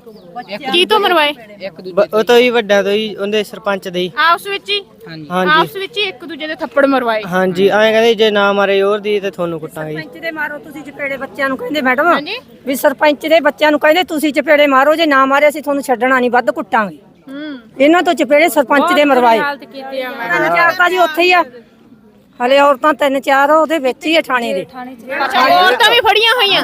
B: ਕੀ ਤੋਂ ਮਰਵਾਏ?
A: ਬ- ਉਹ ਤੋਂ ਹੀ ਵੱਡਾਂ ਤੋਂ ਹੀ, ਉਹਦੇ ਸਰਪੰਚ ਦੇ ਹੀ।
B: ਆਪਸ ਵਿੱਚ ਹੀ?
I: ਹਾਂਜੀ
A: ਹਾਂਜੀ
B: ਆਪਸ ਵਿੱਚ ਹੀ ਇੱਕ ਦੂਜੇ ਦੇ ਥੱਪੜ ਮਰਵਾਏ?
A: ਹਾਂਜੀ, ਐਂ ਕਹਿੰਦੇ ਜੇ ਨਾ ਮਾਰੇ ਹੋਰ ਦੀ ਤੇ ਤੁਹਾਨੂੰ ਕੁੱਟਾਂਗੇ ਜੀ।
E: ਸਰਪੰਚ ਦੇ ਮਾਰੋ ਤੁਸੀਂ ਚਪੇੜੇ ਬੱਚਿਆਂ ਨੂੰ ਕਹਿੰਦੇ ਮੈਡਮ
B: ਹਾਂਜੀ।
E: ਵੀ ਸਰਪੰਚ ਦੇ ਬੱਚਿਆਂ ਨੂੰ ਕਹਿੰਦੇ ਤੁਸੀਂ ਚਪੇੜੇ ਮਾਰੋ, ਜੇ ਨਾ ਮਾਰੇ ਅਸੀਂ ਤੁਹਾਨੂੰ ਛੱਡਣਾ ਨਹੀਂ, ਵੱਧ ਕੁੱਟਾਂਗੇ।
B: ਹੂੰ।
E: ਇਹਨਾਂ ਤੋਂ ਚਪੇੜੇ ਸਰਪੰਚ ਦੇ ਮਰਵਾਏ। ਤਿੰਨ ਚਾਰ ਤਾਂ ਜੀ ਉੱਥੇ ਹੀ ਆ, ਹਲੇ ਔਰਤਾਂ ਤਿੰਨ ਚਾਰ ਉਹਦੇ ਵਿੱਚ ਹੀ ਆ ਥਾਣੇ ਦੇ।
B: ਅੱਛਾ, ਔਰਤਾਂ ਵੀ ਫੜੀਆਂ ਹੋਈਆਂ?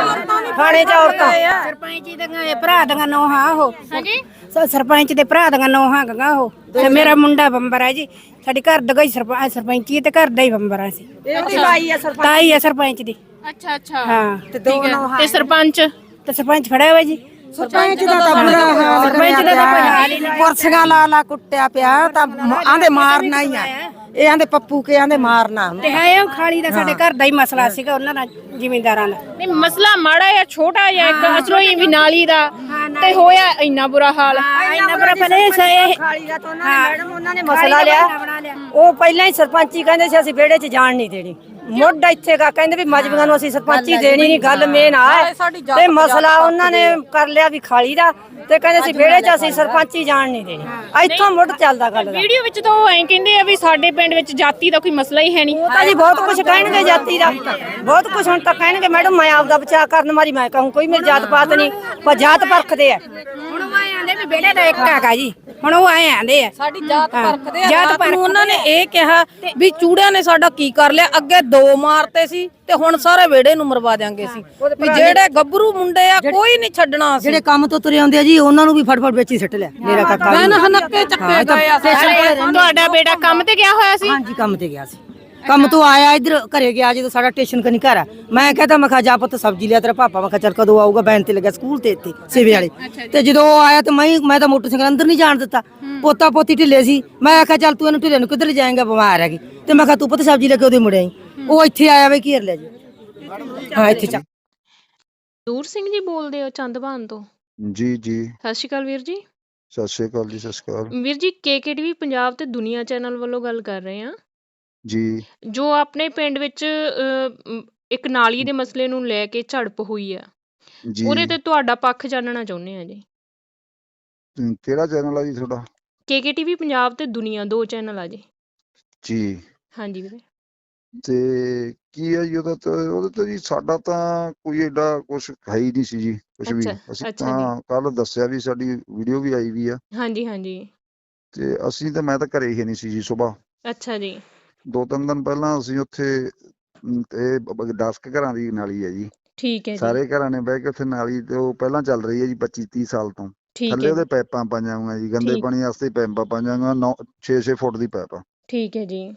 E: ਥਾਣੇ 'ਚ ਔਰਤਾਂ
F: ਸਰਪੰਚ ਦੀਆਂ ਭਰਾ ਦੀਆਂ ਨੋਹਾਂ ਉਹ
B: ਹਾਂਜੀ।
F: ਸ- ਸਰਪੰਚ ਦੇ ਭਰਾ ਦੀਆਂ ਨੋਹਾਂ ਗਗਾ ਉਹ ਤੇ ਮੇਰਾ ਮੁੰਡਾ ਬੰਬਰ ਹੈ ਜੀ। ਸਾਡੇ ਘਰ ਦਾ ਹੀ ਸਰਪੰਚ ਸਰਪੰਚੀ ਤੇ ਘਰ ਦਾ ਹੀ ਬੰਬਰ ਆ ਸੀ।
E: ਇਹਦੀ ਬਾਈ ਆ ਸਰਪੰਚ।
F: ਤਾਈ ਹੈ ਸਰਪੰਚ ਦੀ।
B: ਅੱਛਾ ਅੱਛਾ,
F: ਹਾਂ ਤੇ ਦੋ ਨੋਹਾਂ
B: ਤੇ ਸਰਪੰਚ?
F: ਤੇ ਸਰਪੰਚ ਫੜਿਆ ਹੋਇਆ ਜੀ।
E: ਸਰਪੰਚ ਦਾ ਤਾਂ ਬੁਰਾ ਹਾਲ
F: ਸਰਪੰਚ ਦਾ ਤਾਂ ਕੋਈ ਹਾਲ ਹੀ ਨਹੀਂ।
E: ਕੁਰਸੀਆਂ ਲਾ ਲਾ ਕੁੱਟਿਆ ਪਿਆ ਤਾਂ ਆਂਦੇ ਮਾਰਨਾ ਹੀ ਆ, ਇਹ ਆਂਦੇ ਪੱਪੂ ਕੇ ਆਂਦੇ ਮਾਰਨਾ।
F: ਤੇ ਹੈ ਉਹ ਖਾਲੀ ਦਾ ਸਾਡੇ ਘਰ ਦਾ ਹੀ ਮਸਲਾ ਸੀਗਾ ਉਹਨਾਂ ਦਾ, ਜ਼ਿਮੀਂਦਾਰਾਂ ਦਾ।
B: ਨਹੀਂ, ਮਸਲਾ ਮਾੜਾ ਜਾਂ ਛੋਟਾ ਜਾਂ ਇੱਕ ਅਸਲੋਂ ਹੀ ਵੀ ਨਾਲੀ ਦਾ ਤੇ ਹੋਇਆ ਇੰਨਾ ਬੁਰਾ ਹਾਲ?
F: ਇੰਨਾ ਬੜਾ ਪਹਿਲੇ ਸੇ
E: ਖਾਲੀ ਦਾ ਤਾਂ ਉਹਨਾਂ ਨੇ ਮੈਡਮ ਉਹਨਾਂ ਨੇ ਮਸਲਾ ਲਿਆ, ਉਹ ਪਹਿਲਾਂ ਹੀ ਸਰਪੰਚੀ ਕਹਿੰਦੇ ਸੀ ਅਸੀਂ ਵਿਹੜੇ 'ਚ ਜਾਣ ਨਹੀਂ ਦੇਣੀ। ਮੁੱਢ ਇੱਥੇ ਗਾ ਕਹਿੰਦੇ ਵੀ ਮਜਬੂਰਾਂ ਨੂੰ ਅਸੀਂ ਸਰਪੰਚੀ ਦੇਣੀ ਨਹੀਂ, ਗੱਲ ਮੇਨ ਆ ਤੇ ਮਸਲਾ ਉਹਨਾਂ ਨੇ ਕਰ ਲਿਆ ਵੀ ਖਾਲੀ ਦਾ, ਤੇ ਕਹਿੰਦੇ ਸੀ ਵਿਹੜੇ 'ਚ ਅਸੀਂ ਸਰਪੰਚੀ ਜਾਣ ਨਹੀਂ ਦੇਣੀ। ਇੱਥੋਂ ਮੁੱਢ ਚੱਲਦਾ ਗੱਲ ਦਾ।
B: ਵੀਡੀਓ ਵਿੱਚ ਤਾਂ ਉਹ ਐਂ ਕਹਿੰਦੇ ਆ ਵੀ ਸਾਡੇ ਪਿੰਡ ਵਿੱਚ ਜਾਤੀ ਦਾ ਕੋਈ ਮਸਲਾ ਹੀ ਹੈ ਨਹੀਂ।
E: ਉਹ ਤਾਂ ਜੀ ਬਹੁਤ ਕੁਝ ਕਹਿਣਗੇ ਜਾਤੀ ਦਾ, ਬਹੁਤ ਕੁਝ ਹੁਣ ਤਾਂ ਕਹਿਣਗੇ ਮੈਡਮ। ਮੈਂ ਆਪਦਾ ਬਚਾਅ ਕਰਨ ਮਾਰੀ ਮੈਂ ਕਹੂੰ ਕੋਈ ਮੇਰੀ ਜਾਤ ਪਾਤ ਨਹੀਂ, ਪਰ ਜਾਤ ਪਰਖਦੇ ਆ।
F: ਹੁਣ ਉਹ ਆਏ ਆਂਦੇ ਵੀ ਵਿਹੜੇ ਦਾ ਇੱਕ ਹੈਗਾ ਜੀ, ਹੁਣ ਉਹ ਆਏ ਆਂਦੇ ਆ
H: ਸਾਡੀ ਜਾਤ ਪਰਖਦੇ ਆ।
F: ਜਾਤ
H: ਰਾਤ ਨੂੰ ਉਹਨਾਂ ਨੇ ਇਹ ਕਿਹਾ ਵੀ ਚੂੜਿਆਂ ਨੇ ਸਾਡਾ ਕੀ ਕਰ ਲਿਆ, ਅੱਗੇ ਦੋ ਮਾਰਤੇ ਸੀ ਤੇ ਹੁਣ ਸਾਰੇ ਵਿਹੜੇ ਨੂੰ ਮਰਵਾ ਦਿਆਂਗੇ ਸੀ। ਵੀ ਜਿਹੜੇ ਗੱਭਰੂ ਮੁੰਡੇ ਆ ਕੋਈ ਨਹੀਂ ਛੱਡਣਾ ਸੀ।
E: ਜਿਹੜੇ ਕੰਮ ਤੋਂ ਤੁਰੇ ਆਉਂਦੇ ਆ ਜੀ ਉਹਨਾਂ ਨੂੰ ਵੀ ਫਟਫਟ ਵਿੱਚ ਹੀ ਸਿੱਟ ਲਿਆ। ਮੇਰਾ ਕਾਕਾ
H: ਮੈਂ ਨਾ ਹਨੱਕੇ ਚੱਕੇ ਗਏ ਆ।
B: ਤੁਹਾਡਾ ਬੇਟਾ ਕੰਮ ਤੇ ਗਿਆ ਹੋਇਆ ਸੀ?
E: ਹਾਂਜੀ, ਕੰਮ ਤੇ ਗਿਆ ਸੀ। ਕੰਮ ਤੋਂ ਆਇਆ ਇੱਧਰ ਘਰੇ ਗਿਆ ਜਦੋਂ ਸਾਡਾ ਸਟੇਸ਼ਨ ਕਨੀ ਘਰ ਆ। ਮੈਂ ਕਹਿੰਦਾ ਮੈਂ ਕਿਹਾ ਜਾ ਪੁੱਤ ਸਬਜ਼ੀ ਲਿਆ ਤੇਰਾ ਪਾਪਾ। ਮੈਂ ਕਿਹਾ ਚੱਲ ਕਦੋਂ ਆਊਗਾ, ਬੈਨ ਤੇ ਲੱਗਿਆ ਸਕੂਲ ਤੇ ਇੱਥੇ ਸੇਵੇ ਵਾਲੇ ਤੇ ਜਦੋਂ ਉਹ ਆਇਆ ਤੇ ਮੈਂ ਮੈਂ ਤਾਂ ਮੋਟਰਸਾਈਕਲ ਅੰਦਰ ਨਹੀਂ ਜਾਣ ਦਿੱਤਾ। ਪੋਤਾ ਪੋਤੀ ਢਿੱਲੇ ਸੀ। ਮੈਂ ਆਖਿਆ ਚੱਲ ਤੂੰ ਇਹਨੂੰ ਢਿੱਲੇ ਨੂੰ ਕਿੱਧਰ ਲੈ ਜਾਏਂਗਾ, ਬਿਮਾਰ ਹੈਗੀ। ਤੇ ਮੈਂ ਕਿਹਾ ਤੂੰ ਪੁੱਤ ਸਬਜ਼ੀ ਲੈ ਕੇ ਉਹਦੇ ਮੁੜਿਆ। ਉਹ ਇੱਥੇ ਆਇਆ ਵੇ ਘੇਰ ਲਿਆ ਜੀ। ਹਾਂ ਇੱਥੇ ਚੱਕ।
J: ਦੂਰ ਸਿੰਘ ਜੀ ਬੋਲਦੇ ਹੋ ਚੰਦਵਾਨ ਤੋਂ?
K: ਜੀ ਜੀ
J: ਸਤਿ ਸ਼੍ਰੀ ਅਕਾਲ ਵੀਰ ਜੀ।
K: ਸਤਿ ਸ਼੍ਰੀ ਅਕਾਲ ਜੀ। ਸਤਿ ਸ਼੍ਰੀ ਅਕਾਲ
J: ਵੀਰ ਜੀ, ਕੇਕੇਟੀਵੀ ਪੰਜਾਬ ਤੇ ਦੁਨੀਆ ਚੈਨਲ ਵੱਲੋਂ ਗੱਲ ਕਰ ਰਹੇ ਹਾਂ।
K: ਜੀ।
J: ਜੋ ਆਪਣੇ ਪਿੰਡ ਵਿੱਚ ਅਹ, ਮ, ਇੱਕ ਨਾਲੀ ਦੇ ਮਸਲੇ ਨੂੰ ਲੈ ਕੇ ਝੜਪ ਹੋਈ ਆ,
K: ਜੀ
J: ਉਹਦੇ ਤੇ ਤੁਹਾਡਾ ਪੱਖ ਜਾਣਨਾ ਚਾਹੁੰਦੇ ਆ ਜੀ।
K: ਹਮ, ਕਿਹੜਾ ਚੈਨਲ ਆ ਜੀ ਤੁਹਾਡਾ?
J: ਕੇਕੇਟੀਵੀ ਪੰਜਾਬ ਤੇ ਦੁਨੀਆ ਦੋ ਚੈਨਲ ਆ ਜੀ।
K: ਜੀ।
J: ਹਾਂਜੀ ਵੀਰੇ।
K: ਤੇ ਕੀ ਹੈ ਜੀ ਉਹਦਾ ਤਾਂ ਉਹਦੇ ਤੇ ਜੀ ਸਾਡਾ ਤਾਂ ਕੋਈ ਏਡਾ ਕੁਛ ਹੈ ਹੀ ਨਹੀਂ ਸੀ ਜੀ, ਕੁਛ ਵੀ।
J: ਅੱਛਾ
K: ਅਸੀਂ
J: ਅੱਛਾ
K: ਤਾਂ
J: ਜੀ।
K: ਕੱਲ ਦੱਸਿਆ ਵੀ ਸਾਡੀ ਵੀਡੀਓ ਵੀ ਆਈ ਵੀ ਆ
J: ਹਾਂਜੀ ਹਾਂਜੀ।
K: ਤੇ ਅਸੀਂ ਤਾਂ ਮੈਂ ਤਾਂ ਘਰੇ ਹੀ ਨਹੀਂ ਸੀ ਜੀ। ਸੁਬਾਹ
J: ਅੱਛਾ ਜੀ।
K: ਦੋ ਤਿੰਨ ਦਿਨ ਪਹਿਲਾਂ ਅਸੀਂ ਉੱਥੇ ਅਮ, ਤੇ ਬ- ਦਸ ਕੁ ਘਰਾਂ ਦੀ ਨਾਲੀ ਹੈ ਜੀ।
J: ਠੀਕ ਹੈ ਜੀ।
K: ਸਾਰੇ ਘਰਾਂ ਨੇ ਬਹਿ ਕੇ ਉੱਥੇ ਨਾਲੀ ਤੇ ਉਹ ਪਹਿਲਾਂ ਚੱਲ ਰਹੀ ਹੈ ਜੀ ਪੱਚੀ ਤੀਹ ਸਾਲ ਤੋਂ।
J: ਠੀਕ
K: ਥੱਲੇ
J: ਹੈ
K: ਉਹਦੇ
J: ਜੀ।
K: ਪਾਈਪਾਂ ਪਾਈਆਂ ਹੋਈਆਂ ਜੀ, ਗੰਦੇ
J: ਠੀਕ
K: ਪਾਣੀ ਵਾਸਤੇ ਪਾਈਪਾਂ ਪਾਈਆਂ ਹੋਈਆਂ, ਨੌ ਛੇ ਛੇ ਫੁੱਟ ਦੀ ਪਾਈਪ ਆ
J: ਠੀਕ ਹੈ ਜੀ।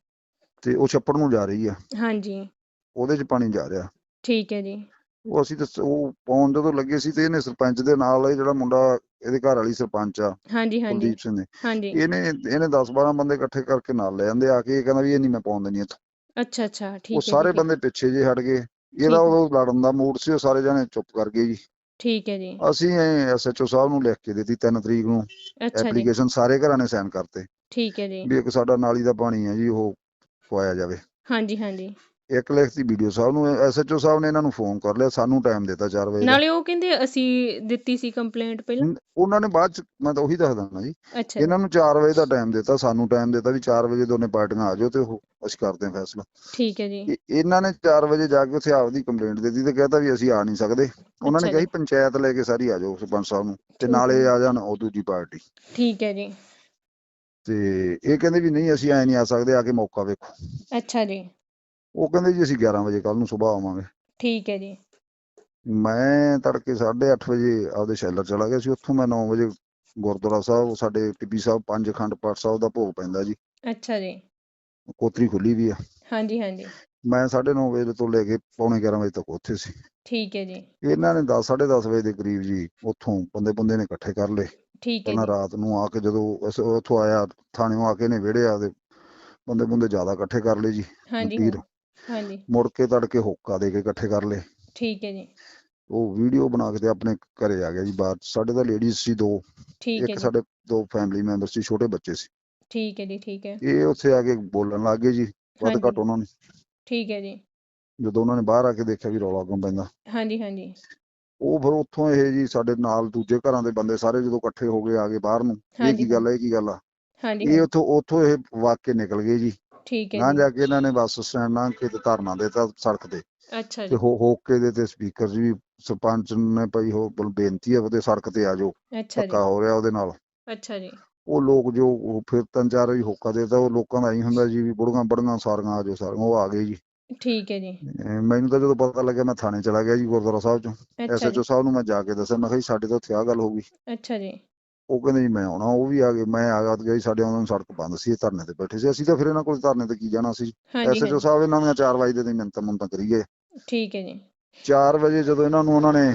K: ਤੇ ਉਹ ਛੱਪੜ ਨੂੰ ਜਾ ਰਹੀ ਆ,
J: ਹਾਂਜੀ
K: ਉਹਦੇ 'ਚ ਪਾਣੀ ਜਾ ਰਿਹਾ।
J: ਠੀਕ ਹੈ ਜੀ।
K: ਉਹ ਅਸੀਂ ਤਾਂ ਸ- ਉਹ ਪਾਉਣ ਜਦੋਂ ਲੱਗੇ ਸੀ ਤੇ ਇਹਨੇ ਸਰਪੰਚ ਦੇ ਨਾਲ ਇਹ ਜਿਹੜਾ ਮੁੰਡਾ ਇਹਦੇ ਘਰ ਵਾਲੀ ਸਰਪੰਚ ਆ
J: ਹਾਂਜੀ ਹਾਂਜੀ
K: ਕੁਲਦੀਪ ਸਿੰਘ ਨੇ,
J: ਹਾਂਜੀ।
K: ਇਹਨੇ ਇਹਨੇ ਦਸ ਬਾਰਾਂ ਬੰਦੇ ਇਕੱਠੇ ਕਰਕੇ ਨਾਲ ਲੈ ਜਾਂਦੇ ਆ ਕੇ। ਇਹ ਕਹਿੰਦਾ ਵੀ ਇਹ ਨਹੀਂ ਮੈਂ ਪਾਉਣ ਦੇਣੀ ਇੱਥੋਂ।
J: ਅੱਛਾ ਅੱਛਾ, ਠੀਕ
K: ਉਹ
J: ਹੈ
K: ਸਾਰੇ
J: ਠੀਕ ਹੈ।
K: ਬੰਦੇ ਪਿੱਛੇ ਜੇ ਹਟ ਗਏ।
J: ਠੀਕ
K: ਇਹਦਾ
J: ਹੈ।
K: ਉਹ ਲੜਨ ਦਾ ਮੂਡ ਸੀ, ਉਹ ਸਾਰੇ ਜਣੇ ਚੁੱਪ ਕਰ ਗਏ ਜੀ।
J: ਠੀਕ ਹੈ ਜੀ।
K: ਅਸੀਂ ਐਸ ਐਚ ਓ ਸਾਹਿਬ ਨੂੰ ਲਿਖ ਕੇ ਦਿੱਤੀ ਤਿੰਨ ਤਰੀਕ ਨੂੰ
J: ਅੱਛਾ ਜੀ।
K: ਐਪਲੀਕੇਸ਼ਨ, ਸਾਰੇ ਘਰਾਂ ਨੇ ਸਾਈਨ ਕਰਤੇ
J: ਠੀਕ ਹੈ ਜੀ।
K: ਵੀ ਇੱਕ ਸਾਡਾ ਨਾਲੀ ਦਾ ਪਾਣੀ ਹੈ ਜੀ ਉਹ ਪਵਾਇਆ ਜਾਵੇ।
J: ਹਾਂਜੀ ਹਾਂਜੀ।
K: ਇੱਕ ਲਿਖਤੀ ਵੀਡੀਓ ਸਾਹਿਬ ਨੂੰ, ਐਸ ਐਚ ਓ ਸਾਹਿਬ ਨੇ ਇਹਨਾਂ ਨੂੰ ਫੋਨ ਕਰ ਲਿਆ, ਸਾਨੂੰ ਟਾਈਮ ਦਿੱਤਾ ਚਾਰ ਵਜੇ ਦਾ।
J: ਨਾਲੇ ਉਹ ਕਹਿੰਦੇ ਅਸੀਂ ਦਿੱਤੀ ਸੀ ਕੰਪਲੇਂਟ ਪਹਿਲਾਂ।
K: ਨ- ਉਹਨਾਂ ਨੇ ਬਾਅਦ ਚ, ਮੈਂ ਤਾਂ ਉਹੀ ਦੱਸਦਾ ਨਾ ਜੀ,
J: ਅੱਛਾ ਜੀ।
K: ਇਹਨਾਂ ਨੂੰ ਚਾਰ ਵਜੇ ਦਾ ਟਾਈਮ ਦਿੱਤਾ, ਸਾਨੂੰ ਟਾਈਮ ਦਿੱਤਾ ਵੀ ਚਾਰ ਵਜੇ ਦੋਨੇ ਪਾਰਟੀਆਂ ਆ ਜਾਓ ਤੇ ਉਹ ਅਸੀਂ ਕਰਦੇ ਹਾਂ ਫੈਸਲਾ।
J: ਠੀਕ ਹੈ ਜੀ।
K: ਇਹ- ਇਹਨਾਂ ਨੇ ਚਾਰ ਵਜੇ ਜਾ ਕੇ ਉੱਥੇ ਆਪਦੀ ਕੰਪਲੇਂਟ ਦੇ ਦਿੱਤੀ ਤੇ ਕਹਿਤਾ ਵੀ ਅਸੀਂ ਆ ਨਹੀਂ ਸਕਦੇ। ਉਹਨਾਂ ਨੇ
J: ਅੱਛਾ
K: ਕਿਹਾ
J: ਜੀ।
K: ਸੀ ਪੰਚਾਇਤ ਲੈ ਕੇ ਸਾਰੀ ਆ ਜਾਓ ਸਰਪੰਚ ਸਾਹਿਬ ਨੂੰ, ਤੇ
J: ਠੀਕ
K: ਨਾਲੇ
J: ਹੈ।
K: ਆ ਜਾਣ ਉਹ ਦੂਜੀ ਪਾਰਟੀ।
J: ਠੀਕ ਹੈ ਜੀ।
K: ਤੇ ਇਹ ਕਹਿੰਦੇ ਵੀ ਨਹੀਂ ਅਸੀਂ ਐ ਨਹੀਂ ਆ ਸਕਦੇ, ਆ ਕੇ ਮੌਕਾ ਵੇਖੋ।
J: ਅੱਛਾ ਜੀ।
K: ਉਹ ਕਹਿੰਦੇ ਜੀ ਅਸੀਂ ਗਿਆਰਾਂ ਵਜੇ ਕੱਲ ਨੂੰ ਸੁਬਾਹ ਆਵਾਂਗੇ।
J: ਠੀਕ ਹੈ ਜੀ।
K: ਮੈਂ ਤੜਕੇ ਸਾਢੇ ਅੱਠ ਵਜੇ ਆਪਦੇ ਸ਼ੈਲਰ ਚਲਾ ਗਿਆ ਸੀ। ਉੱਥੋਂ ਮੈਂ ਨੌ ਵਜੇ ਗੁਰਦੁਆਰਾ ਸਾਹਿਬ, ਸਾਡੇ ਟਿੱਬੀ ਸਾਹਿਬ ਪੰਜ ਅਖੰਡ ਪਾਠ ਸਾਹਿਬ ਦਾ ਭੋਗ ਪੈਂਦਾ ਜੀ,
J: ਅੱਛਾ ਜੀ।
K: ਕੋਤਰੀ ਖੁੱਲੀ ਵੀ ਆ।
J: ਹਾਂਜੀ ਹਾਂਜੀ।
K: ਮੈਂ ਸਾਢੇ ਨੌ ਵਜੇ ਤੋਂ ਲੈ ਕੇ ਪੌਣੇ ਗਿਆਰਾਂ ਵਜੇ ਤੱਕ ਉੱਥੇ ਸੀ।
J: ਠੀਕ ਹੈ ਜੀ।
K: ਇਹਨਾਂ ਨੇ ਦਸ ਸਾਢੇ ਦਸ ਵਜੇ ਦੇ ਕਰੀਬ ਜੀ ਉੱਥੋਂ ਬੰਦੇ ਬੰਦੇ ਨੇ ਇਕੱਠੇ ਕਰ ਲਏ।
J: ਠੀਕ ਹੈ
K: ਪਹਿਲਾਂ
J: ਜੀ।
K: ਰਾਤ ਨੂੰ ਆ ਕੇ ਜਦੋਂ ਅਸੀਂ ਉੱਥੋਂ ਆਇਆ, ਥਾਣਿਓਂ ਆ ਕੇ ਨੇ ਵਿਹੜੇ ਆ ਦੇ ਬੰਦੇ ਬੰਦੇ ਜ਼ਿਆਦਾ ਇਕੱਠੇ ਕਰ ਲਏ ਜੀ।
J: ਹਾਂਜੀ
K: ਵੀਰ
J: ਹਾਂਜੀ।
K: ਮੁੜ ਕੇ ਤੜਕੇ ਹੋਕਾ ਦੇ ਕੇ ਇਕੱਠੇ ਕਰ ਲਏ।
J: ਠੀਕ ਹੈ ਜੀ।
K: ਉਹ ਵੀਡੀਓ ਬਣਾ ਕੇ ਤੇ ਆਪਣੇ ਘਰੇ ਆ ਗਿਆ ਜੀ ਬਾਹਰ। ਸਾਡੇ ਤਾਂ ਲੇਡੀਜ਼ ਸੀ ਦੋ,
J: ਠੀਕ ਹੈ
K: ਇੱਕ
J: ਜੀ।
K: ਸਾਡੇ ਦੋ ਫੈਮਿਲੀ ਮੈਂਬਰ ਸੀ, ਛੋਟੇ ਬੱਚੇ ਸੀ।
J: ਠੀਕ ਹੈ ਜੀ। ਠੀਕ ਹੈ।
K: ਇਹ ਉੱਥੇ ਆ ਕੇ ਬੋਲਣ ਲੱਗ ਗਏ ਜੀ ਵੱਧ
J: ਹਾਂਜੀ।
K: ਘੱਟ ਉਹਨਾਂ ਨੇ।
J: ਠੀਕ ਹੈ ਜੀ।
K: ਜਦੋਂ ਉਹਨਾਂ ਨੇ ਬਾਹਰ ਆ ਕੇ ਦੇਖਿਆ ਵੀ ਰੌਲਾ ਕਿਉਂ ਪੈਂਦਾ,
J: ਹਾਂਜੀ ਹਾਂਜੀ।
K: ਉਹ ਫਿਰ ਉੱਥੋਂ ਇਹ ਜੀ ਸਾਡੇ ਨਾਲ ਦੂਜੇ ਘਰਾਂ ਦੇ ਬੰਦੇ ਸਾਰੇ ਜਦੋਂ ਇਕੱਠੇ ਹੋ ਗਏ ਆ ਗਏ ਬਾਹਰ ਨੂੰ, ਇਹ
J: ਹਾਂਜੀ
K: ਕੀ ਗੱਲ ਹੈ ਇਹ ਕੀ ਗੱਲ ਆ।
J: ਹਾਂਜੀ
K: ਇਹ
J: ਹਾਂਜੀ।
K: ਉੱਥੋਂ ਉੱਥੋਂ ਇਹ ਵਗ ਕੇ ਨਿਕਲ ਗਏ ਜੀ।
J: ਠੀਕ ਹੈ
K: ਨਾ
J: ਜੀ।
K: ਜਾ ਕੇ ਇਹਨਾਂ ਨੇ ਬੱਸ ਸਟੈਂਡ ਲੰਘ ਕੇ ਤੇ ਧਰਨਾ ਦੇਤਾ ਸੜਕ ਤੇ
J: ਅੱਛਾ
K: ਤੇ
J: ਜੀ।
K: ਹੋ ਹੋਕੇ ਦੇ ਤੇ ਸਪੀਕਰ ਜੀ ਸਰਪੰਚ ਨੇ ਭਾਈ ਉਹ ਬਲ- ਬੇਨਤੀ ਹੈ ਉਹਦੇ ਸੜਕ ਤੇ ਆ ਜਾਓ,
J: ਅੱਛਾ ਜੀ।
K: ਧੱਕਾ ਹੋ ਰਿਹਾ ਉਹਦੇ ਨਾਲ।
J: ਅੱਛਾ ਜੀ।
K: ਉਹ ਲੋਕ ਜੋ ਉਹ ਫਿਰ ਤਿੰਨ ਚਾਰ ਵਾਰੀ ਹੋਕਾ ਦੇਤਾ, ਉਹ ਲੋਕਾਂ ਦਾ ਹੀ ਹੁੰਦਾ ਜੀ ਵੀ ਬੁੜੀਆਂ ਬੜੀਆਂ ਸਾਰੀਆਂ ਆ ਜਾਓ ਸਾਰੀਆਂ, ਉਹ ਆ ਗਏ ਜੀ।
J: ਠੀਕ ਹੈ ਜੀ।
K: ਅਹ ਮੈਨੂੰ ਤਾਂ ਜਦੋਂ ਪਤਾ ਲੱਗਿਆ ਮੈਂ ਥਾਣੇ ਚਲਾ ਗਿਆ ਜੀ ਗੁਰਦੁਆਰਾ ਸਾਹਿਬ ਚੋਂ।
J: ਅੱਛਾ
K: ਐਸਐਚਓ
J: ਜੀ।
K: ਸਾਹਿਬ ਨੂੰ ਮੈਂ ਜਾ ਕੇ ਦੱਸਿਆ, ਮੈਂ ਕਿਹਾ ਜੀ ਸਾਡੇ ਤਾਂ ਉੱਥੇ ਆਹ ਗੱਲ ਹੋ ਗਈ।
J: ਅੱਛਾ ਜੀ।
K: ਉਹ ਕਹਿੰਦੇ ਜੀ ਮੈਂ ਆਉਣਾ, ਉਹ ਵੀ ਆ ਗਏ। ਮੈਂ ਆ ਗਿਆ ਜੀ, ਸਾਡੇ ਉਹਨਾਂ ਨੂੰ ਸੜਕ ਬੰਦ ਸੀ, ਇਹ ਧਰਨੇ ਤੇ ਬੈਠੇ ਸੀ। ਅਸੀਂ ਤਾਂ ਫਿਰ ਇਹਨਾਂ ਕੋਲ ਧਰਨੇ ਤੇ ਕੀ ਜਾਣਾ ਸੀ।
J: ਹਾਂਜੀ
K: ਐਸਐਚਓ
J: ਹਾਂਜੀ।
K: ਸਾਹਿਬ ਇਹਨਾਂ ਦੀਆਂ ਚਾਰ ਵਜੇ ਦੇ ਮਿੰਤਾਂ ਮੁੰਤਾਂ ਕਰੀ ਗਏ।
J: ਠੀਕ ਹੈ ਜੀ।
K: ਚਾਰ ਵਜੇ ਜਦੋਂ ਇਹਨਾਂ ਨੂੰ ਉਹਨਾਂ ਨੇ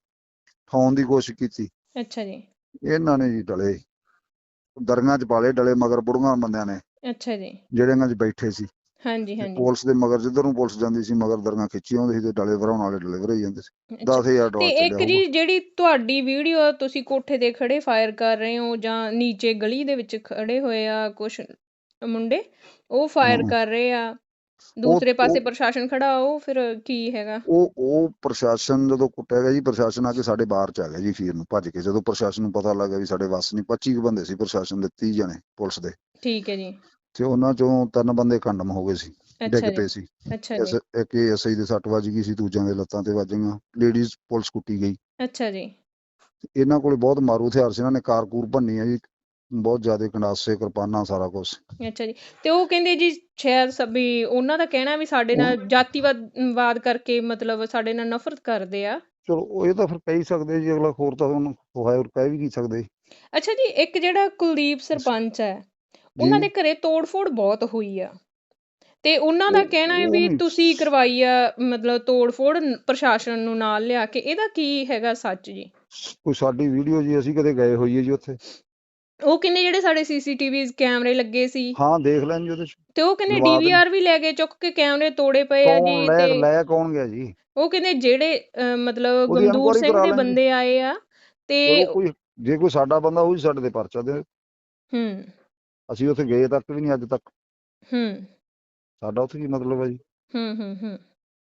K: ਠਾਉਣ ਦੀ ਕੋਸ਼ਿਸ਼ ਕੀਤੀ,
J: ਅੱਛਾ ਜੀ।
K: ਇਹਨਾਂ ਨੇ ਜੀ ਡਲੇ ਦਰੀਆਂ ਚ ਪਾਲੇ ਡਲੇ ਮਗਰ ਬੁੜੀਆਂ ਬੰਦਿਆਂ ਨੇ
J: ਅੱਛਾ ਜੀ।
K: ਜਿਹੜੇ ਇਹਨਾਂ ਚ ਬੈਠੇ ਸੀ।
J: ਹਾਂਜੀ
K: ਤੇ
J: ਹਾਂਜੀ।
K: ਪੁਲਿਸ ਦੇ ਮਗਰ ਜਿੱਧਰ ਨੂੰ ਪੁਲਿਸ ਜਾਂਦੀ ਸੀ ਮਗਰ ਦਰੀਆਂ ਖਿੱਚੀ ਆਉਂਦੇ ਸੀ ਤੇ ਡਲੇ ਭਰਾਉਣ ਵਾਲੇ ਡਲੇ ਭਰਾਈ ਜਾਂਦੇ ਸੀ।
J: ਅੱਛਾ।
K: ਦਸ ਹਜ਼ਾਰ
J: ਤੇ
K: ਡਾਲਰ ਚੱਲਿਆ
J: ਇੱਕ
K: ਹੋਊਗਾ।
J: ਜੀ ਜਿਹੜੀ ਤੁਹਾਡੀ ਵੀਡੀਓ ਤੁਸੀਂ ਕੋਠੇ ਤੇ ਖੜੇ ਫਾਇਰ ਕਰ ਰਹੇ ਹੋ ਜਾਂ ਨੀਚੇ ਗਲੀ ਦੇ ਵਿੱਚ ਖੜੇ ਹੋਏ ਆ ਕੁਛ ਮੁੰਡੇ, ਉਹ ਫਾਇਰ
K: ਹਾਂ।
J: ਕਰ ਰਹੇ ਆ,
K: ਉਹ
J: ਦੂਸਰੇ ਪਾਸੇ
K: ਉਹ
J: ਪ੍ਰਸ਼ਾਸਨ ਖੜਾ, ਉਹ ਫਿਰ ਕੀ ਹੈਗਾ?
K: ਉਹ ਉਹ ਪ੍ਰਸ਼ਾਸਨ ਜਦੋਂ ਕੁੱਟਿਆ ਗਿਆ ਜੀ, ਪ੍ਰਸ਼ਾਸਨ ਆ ਕੇ ਸਾਡੇ ਬਾਹਰ ਚ ਆ ਗਿਆ ਜੀ ਅਖੀਰ ਨੂੰ ਭੱਜ ਕੇ। ਜਦੋਂ ਪ੍ਰਸ਼ਾਸਨ ਨੂੰ ਪਤਾ ਲੱਗਾ ਵੀ ਸਾਡੇ ਵੱਸ ਨਹੀਂ, ਪੱਚੀ ਕੁ ਬੰਦੇ ਸੀ ਪ੍ਰਸ਼ਾਸਨ ਦੇ, ਤੀਹ ਜਣੇ ਪੁਲਿਸ ਦੇ,
J: ਠੀਕ ਹੈ ਜੀ।
K: ਤੇ ਉਹਨਾਂ ਚੋਂ ਤਿੰਨ ਬੰਦੇ ਕੰਡਮ ਹੋ ਗਏ ਸੀ,
J: ਅੱਛਾ
K: ਡਿੱਗ
J: ਜੀ।
K: ਪਏ ਸੀ।
J: ਅੱਛਾ
K: ਇਸ
J: ਜੀ।
K: ਇੱਕ ਐਸਆਈ ਦੇ ਸੱਟ ਵੱਜ ਗਈ ਸੀ, ਦੂਜਿਆਂ ਦੇ ਲੱਤਾਂ ਤੇ ਵੱਜ ਗਈਆਂ। ਲੇਡੀਜ਼ ਪੁਲਿਸ ਕੁੱਟੀ ਗਈ।
J: ਅੱਛਾ ਜੀ।
K: ਇਹਨਾਂ ਕੋਲੇ ਬਹੁਤ ਮਾਰੂ ਹਥਿਆਰ ਸੀ, ਇਹਨਾਂ ਨੇ ਕਾਰਕੂਰ ਭੰਨੀ ਆ ਜੀ, ਬਹੁਤ ਜ਼ਿਆਦਾ ਕੰਡਾਸੇ ਕਿਰਪਾਨਾਂ ਸਾਰਾ ਕੁਛ।
J: ਅੱਛਾ ਜੀ। ਤੇ ਉਹ ਕਹਿੰਦੇ ਜੀ ਸ਼ਾਇਦ ਸ- ਵੀ ਉਹਨਾਂ ਦਾ ਕਹਿਣਾ ਵੀ ਸਾਡੇ
K: ਉਹ
J: ਨਾਲ ਜਾਤੀਵਾਦ ਵਾਦ ਕਰਕੇ ਮਤਲਬ ਸਾਡੇ ਨਾਲ ਨਫ਼ਰਤ ਕਰਦੇ ਆ।
K: ਚਲੋ ਉਹ ਇਹ ਤਾਂ ਫਿਰ ਕਹਿ ਹੀ ਸਕਦੇ ਜੀ, ਅਗਲਾ ਹੋਰ ਤਾਂ ਉਹਨੂੰ ਹੋਇਆ ਹੋਰ ਕਹਿ ਵੀ ਕੀ ਸਕਦੇ
J: ਅੱਛਾ ਜੀ, ਇੱਕ ਜਿਹੜਾ ਕੁਲਦੀਪ ਸਰਪੰਚ ਹੈ, ਉਹਨਾਂ
K: ਜੀ।
J: ਦੇ ਘਰੇ ਤੋੜ-ਫੋੜ ਬਹੁਤ ਹੋਈ ਆ ਤੇ ਉਹਨਾਂ ਦਾ
K: ਉਹ
J: ਕਹਿਣਾ ਹੈ
K: ਉਹ
J: ਵੀ
K: ਨਹੀਂ
J: ਤੁਸੀਂ ਕਰਵਾਈ ਆ ਮਤਲਬ ਤੋੜ-ਫੋੜ ਨ- ਪ੍ਰਸ਼ਾਸਨ ਨੂੰ ਨਾਲ ਲਿਆ ਕੇ, ਇਹਦਾ ਕੀ ਹੈਗਾ ਸੱਚ ਜੀ?
K: ਕੋਈ ਸਾਡੀ ਵੀਡੀਓ ਜੀ, ਅਸੀਂ ਕਦੇ ਗਏ ਹੋਈਏ ਜੀ ਉੱਥੇ?
J: ਉਹ ਕਹਿੰਦੇ ਜਿਹੜੇ ਸਾਡੇ ਸੀਸੀਟੀਵੀ ਕੈਮਰੇ ਲੱਗੇ ਸੀ
K: ਹਾਂ ਦੇਖ ਲੈਣ ਜੀ ਉਹਦੇ ਚ
J: ਤੇ ਉਹ ਕਹਿੰਦੇ
K: ਲਵਾ ਦੇਣ।
J: ਡੀਵੀਆਰ ਵੀ ਲੈ ਕੇ ਚੁੱਕ ਕੇ ਕੈਮਰੇ ਤੋੜੇ ਪਏ ਆ
K: ਕੌਣ
J: ਜੀ।
K: ਲੈ
J: ਤੇ
K: ਲੈ ਕੌਣ ਗਿਆ ਜੀ?
J: ਉਹ ਕਹਿੰਦੇ ਜਿਹੜੇ ਅਹ, ਮਤਲਬ
K: ਉਹਦੀ
J: ਗਮਦੂਰ
K: ਇਨਕੁਆਇਰੀ
J: ਸਿੰਘ
K: ਕਰਾ
J: ਦੇ
K: ਲੈਣ ਜੀ।
J: ਬੰਦੇ ਆਏ ਆ ਤੇ
K: ਚਲੋ ਕੋਈ ਜੇ ਕੋਈ ਸਾਡਾ ਬੰਦਾ ਹੋਊ ਜੀ ਸਾਡੇ ਤੇ ਪਰਚਾ ਦੇ।
J: ਹੂੰ
K: ਅਸੀਂ ਉੱਥੇ ਗਏ ਤੱਕ ਵੀ ਨਹੀਂ ਅੱਜ ਤੱਕ।
J: ਹੂੰ
K: ਸਾਡਾ ਉੱਥੇ ਕੀ ਮਤਲਬ ਹੈ ਜੀ?
J: ਹੂੰ ਹੂੰ ਹੂੰ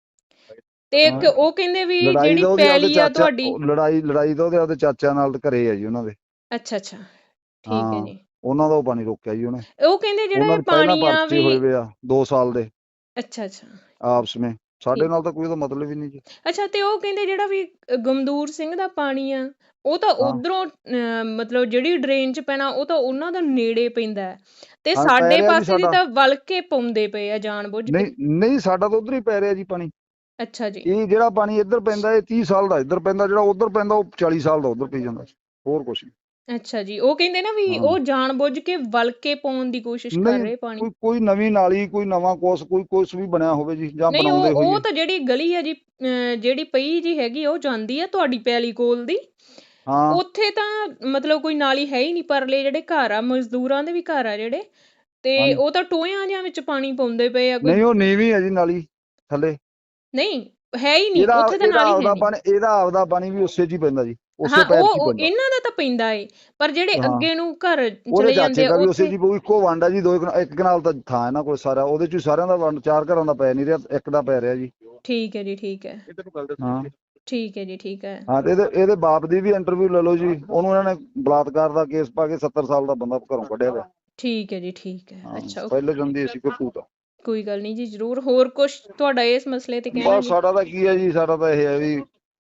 J: ਤੇ ਇੱਕ
K: ਹਾਂ।
J: ਉਹ ਕਹਿੰਦੇ ਵੀ
K: ਲੜਾਈ
J: ਜਿਹੜੀ
K: ਤਾਂ ਉਹਦੇ ਆਪਦੇ
J: ਪੈਲੀ ਆ
K: ਚਾਚਾ
J: ਤੁਹਾਡੀ।
K: ਉਹ ਲੜਾਈ ਲੜਾਈ ਤਾਂ ਉਹਦੇ ਆਪਦੇ ਚਾਚਿਆਂ ਨਾਲ ਤੇ ਘਰੇ ਆ ਜੀ ਉਹਨਾਂ ਦੇ।
J: ਅੱਛਾ ਅੱਛਾ ਠੀਕ ਹੈ
K: ਹਾਂ
J: ਜੀ।
K: ਉਹਨਾਂ ਦਾ ਉਹ ਪਾਣੀ ਰੋਕਿਆ ਜੀ ਉਹਨੇ।
J: ਉਹ ਕਹਿੰਦੇ ਜਿਹੜਾ
K: ਉਹਨਾਂ
J: ਇਹ
K: ਦੇ ਪਹਿਲਾਂ
J: ਪਾਣੀ ਆ
K: ਪਰਚੇ ਹੋਏ
J: ਵੀ।
K: ਵੇ ਆ ਦੋ ਸਾਲ ਦੇ
J: ਅੱਛਾ ਅੱਛਾ
K: ਆਪਸ ਵਿੱਚ। ਸਾਡੇ
J: ਠੀਕ।
K: ਨਾਲ ਤਾਂ ਕੋਈ ਉਹਦਾ ਮਤਲਬ ਹੀ ਨਹੀਂ ਜੀ।
J: ਅੱਛਾ ਤੇ ਉਹ ਕਹਿੰਦੇ ਜਿਹੜਾ ਵੀ ਅ, ਗਮਦੂਰ ਸਿੰਘ ਦਾ ਪਾਣੀ ਆ, ਉਹ ਤਾਂ
K: ਹਾਂ
J: ਉਧਰੋਂ ਮਤਲਬ ਜਿਹੜੀ ਡਰੇਨ ਚ ਪੈਣਾ ਉਹ ਤਾਂ ਉਹਨਾਂ ਦਾ ਨੇੜੇ ਪੈਂਦਾ ਹੈ ਤੇ
K: ਹਾਂ ਪੈ
J: ਸਾਡੇ
K: ਰਿਹਾ ਜੀ
J: ਪਾਸੇ ਦੀ
K: ਸਾਡਾ।
J: ਤਾਂ ਵਲ ਕੇ ਪਾਉਂਦੇ ਪਏ ਆ ਜਾਣ ਬੁੱਝ ਕੇ।
K: ਨਹੀਂ ਨਹੀਂ ਸਾਡਾ ਤਾਂ ਉਧਰ ਹੀ ਪੈ ਰਿਹਾ ਜੀ ਪਾਣੀ।
J: ਅੱਛਾ ਜੀ।
K: ਇਹ ਜਿਹੜਾ ਪਾਣੀ ਇੱਧਰ ਪੈਂਦਾ ਇਹ ਤੀਹ ਸਾਲ ਦਾ ਇੱਧਰ ਪੈਂਦਾ, ਜਿਹੜਾ ਉਧਰ ਪੈਂਦਾ ਉਹ ਚਾਲੀ ਸਾਲ ਦਾ ਉਧਰ ਪਈ ਜਾਂਦਾ, ਹੋਰ ਕੁਛ ਨਹੀਂ।
J: ਅੱਛਾ ਜੀ, ਉਹ ਕਹਿੰਦੇ ਨਾ ਵੀ
K: ਹਾਂ
J: ਉਹ ਜਾਣ ਬੁੱਝ ਕੇ ਵਲ ਕੇ ਪਾਉਣ ਦੀ ਕੋਸ਼ਿਸ਼ ਕਰ
K: ਨਹੀਂ
J: ਰਹੇ ਪਾਣੀ।
K: ਕੋਈ ਕੋਈ ਨਵੀਂ ਨਾਲੀ ਕੋਈ ਨਵਾਂ ਕੁਛ ਕੋਈ ਕੁਛ ਵੀ ਬਣਿਆ ਹੋਵੇ ਜੀ ਜਾਂ
J: ਨਹੀਂ ਉਹ
K: ਬਣਾਉਂਦੇ
J: ਉਹ
K: ਹੋਈਏ।
J: ਤਾਂ ਜਿਹੜੀ ਗਲੀ ਆ ਜੀ ਅਹ, ਜਿਹੜੀ ਪਈ ਜੀ ਹੈਗੀ ਆ, ਉਹ ਜਾਂਦੀ ਆ ਤੁਹਾਡੀ ਪੈਲੀ ਕੋਲ ਦੀ।
K: ਹਾਂ
J: ਉੱਥੇ ਤਾਂ ਮਤਲਬ ਕੋਈ ਨਾਲੀ ਹੈ ਹੀ ਨਹੀਂ, ਪਰਲੇ ਜਿਹੜੇ ਘਰ ਆ ਮਜ਼ਦੂਰਾਂ ਦੇ ਵੀ ਘਰ ਆ ਜਿਹੜੇ, ਤੇ
K: ਹਾਂਜੀ
J: ਉਹ ਤਾਂ ਟੋਇਆਂ ਜਿਹਾਂ ਵਿੱਚ ਪਾਣੀ ਪਾਉਂਦੇ ਪਏ ਆ ਕੋਈ।
K: ਨਹੀਂ ਉਹ ਨੀਵੀਂ ਹੈ ਜੀ ਨਾਲੀ ਥੱਲੇ।
J: ਨਹੀਂ ਹੈ ਹੀ ਨਹੀਂ
K: ਇਹਦਾ
J: ਉੱਥੇ ਤਾਂ
K: ਇਹਦਾ
J: ਨਾਲੀ ਹੈ
K: ਆਪਦਾ
J: ਨਹੀਂ।
K: ਪਾਣੀ ਇਹਦਾ ਆਪਦਾ ਪਾਣੀ ਵੀ ਉਸੇ 'ਚ ਹੀ ਪੈਂਦਾ ਜੀ, ਉਸੇ
J: ਹਾਂ
K: ਪੈਰ 'ਚ
J: ਉਹ
K: ਹੀ
J: ਉਹ
K: ਪੈਂਦਾ।
J: ਇਹਨਾਂ ਦਾ ਤਾਂ ਪੈਂਦਾ ਏ, ਪਰ ਜਿਹੜੇ
K: ਹਾਂ
J: ਅੱਗੇ ਨੂੰ ਘਰ
K: ਉਹਦੇ
J: ਚਲੇ ਜਾਂਦੇ
K: ਚਾਚੇ
J: ਆ
K: ਦਾ ਵੀ ਉਸੇ
J: ਉੱਥੇ।
K: ਜੀ ਪਊ, ਇੱਕੋ ਵੰਡ ਆ ਜੀ, ਦੋ ਕਨਾ- ਇੱਕ ਕਨਾਲ ਤਾਂ ਥਾਂ ਇਹਨਾਂ ਕੋਲ ਸਾਰਾ, ਉਹਦੇ 'ਚ ਹੀ ਸਾਰਿਆਂ ਦਾ ਵੰਡ, ਚਾਰ ਘਰਾਂ ਦਾ ਪੈ ਨਹੀਂ ਰਿਹਾ, ਇੱਕ ਦਾ ਪੈ ਰਿਹਾ ਜੀ।
J: ਠੀਕ ਹੈ ਜੀ ਠੀਕ ਹੈ
K: ਹਾਂ
J: ਠੀਕ ਹੈ ਜੀ ਠੀਕ ਹੈ।
K: ਹਾਂ ਤੇ ਇਹਦੇ ਇਹਦੇ ਬਾਪ ਦੀ ਵੀ ਇੰਟਰਵਿਊ ਲੈ ਲਓ ਜੀ, ਉਹਨੂੰ ਇਹਨਾਂ ਨੇ ਬਲਾਤਕਾਰ ਦਾ ਕੇਸ ਪਾ ਕੇ ਸੱਤਰ ਸਾਲ ਦਾ ਬੰਦਾ ਘਰੋਂ ਕੱਢਿਆ ਵਾ।
J: ਠੀਕ ਹੈ ਜੀ ਠੀਕ ਹੈ।
K: ਹਾਂ
J: ਅੱਛਾ
K: ਪਹਿਲੇ ਜਾਂਦੀ ਅਸੀਂ ਕੋਈ ਭੂਤ।
J: ਕੋਈ ਗੱਲ ਨਹੀਂ ਜੀ, ਜ਼ਰੂਰ। ਹੋਰ ਕੁਝ ਤੁਹਾਡਾ ਇਸ ਮਸਲੇ ਤੇ ਕਹਿਣਾ
K: ਬਸ
J: ਜੀ?
K: ਸਾਡਾ ਤਾਂ ਕੀ ਹੈ ਜੀ, ਸਾਡਾ ਤਾਂ ਇਹ ਹੈ ਵੀ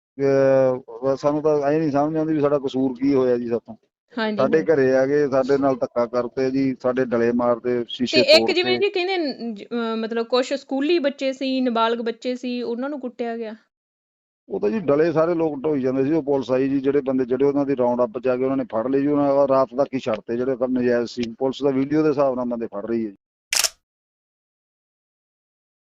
K: ਅਹ ਸਾਨੂੰ ਤਾਂ ਐ ਨਹੀਂ ਸਮਝ ਆਉਂਦੀ ਵੀ ਸਾਡਾ ਕਸੂਰ ਕੀ ਹੋਇਆ ਜੀ ਸਾਥੋਂ।
J: ਹਾਂਜੀ
K: ਸਾਡੇ
J: ਹਾਂਜੀ।
K: ਘਰੇ ਆ ਗਏ, ਸਾਡੇ ਨਾਲ ਧੱਕਾ ਕਰਤੇ ਜੀ, ਸਾਡੇ ਡਲੇ ਮਾਰਦੇ,
J: ਤੇ
K: ਸ਼ੀਸ਼ੇ
J: ਇੱਕ ਜਿਵੇਂ
K: ਤੋੜਤੇ।
J: ਜੀ ਕਹਿੰਦੇ ਨ- ਜ- ਅਹ ਮਤਲਬ ਕੁਝ ਸਕੂਲੀ ਬੱਚੇ ਸੀ, ਨਾਬਾਲਗ ਬੱਚੇ ਸੀ, ਉਹਨਾਂ ਨੂੰ ਕੁੱਟਿਆ ਗਿਆ।
K: ਉਹ ਤਾਂ ਜੀ ਡਲੇ ਸਾਰੇ ਲੋਕ ਢੋਈ ਜਾਂਦੇ ਸੀ। ਉਹ ਪੁਲਿਸ ਆਈ ਜੀ, ਜਿਹੜੇ ਬੰਦੇ ਜਿਹੜੇ ਉਹਨਾਂ ਦੀ ਰਾਉਂਡ ਅਪ ਚ ਆ ਕੇ ਉਹਨਾਂ ਨੇ ਫੜ ਲਏ ਜੀ, ਉਹਨਾਂ ਰਾਤ ਤੱਕ ਹੀ ਛੱਡਤੇ ਜਿਹੜੇ ਕੰਮ ਨਜਾਇਜ਼ ਸੀ। ਪੁਲਿਸ ਦਾ ਵੀਡੀਓ ਦੇ ਹਿਸਾਬ ਨਾਲ ਬੰਦੇ ਫੜ ਰਹੀ ਹੈ ਜੀ।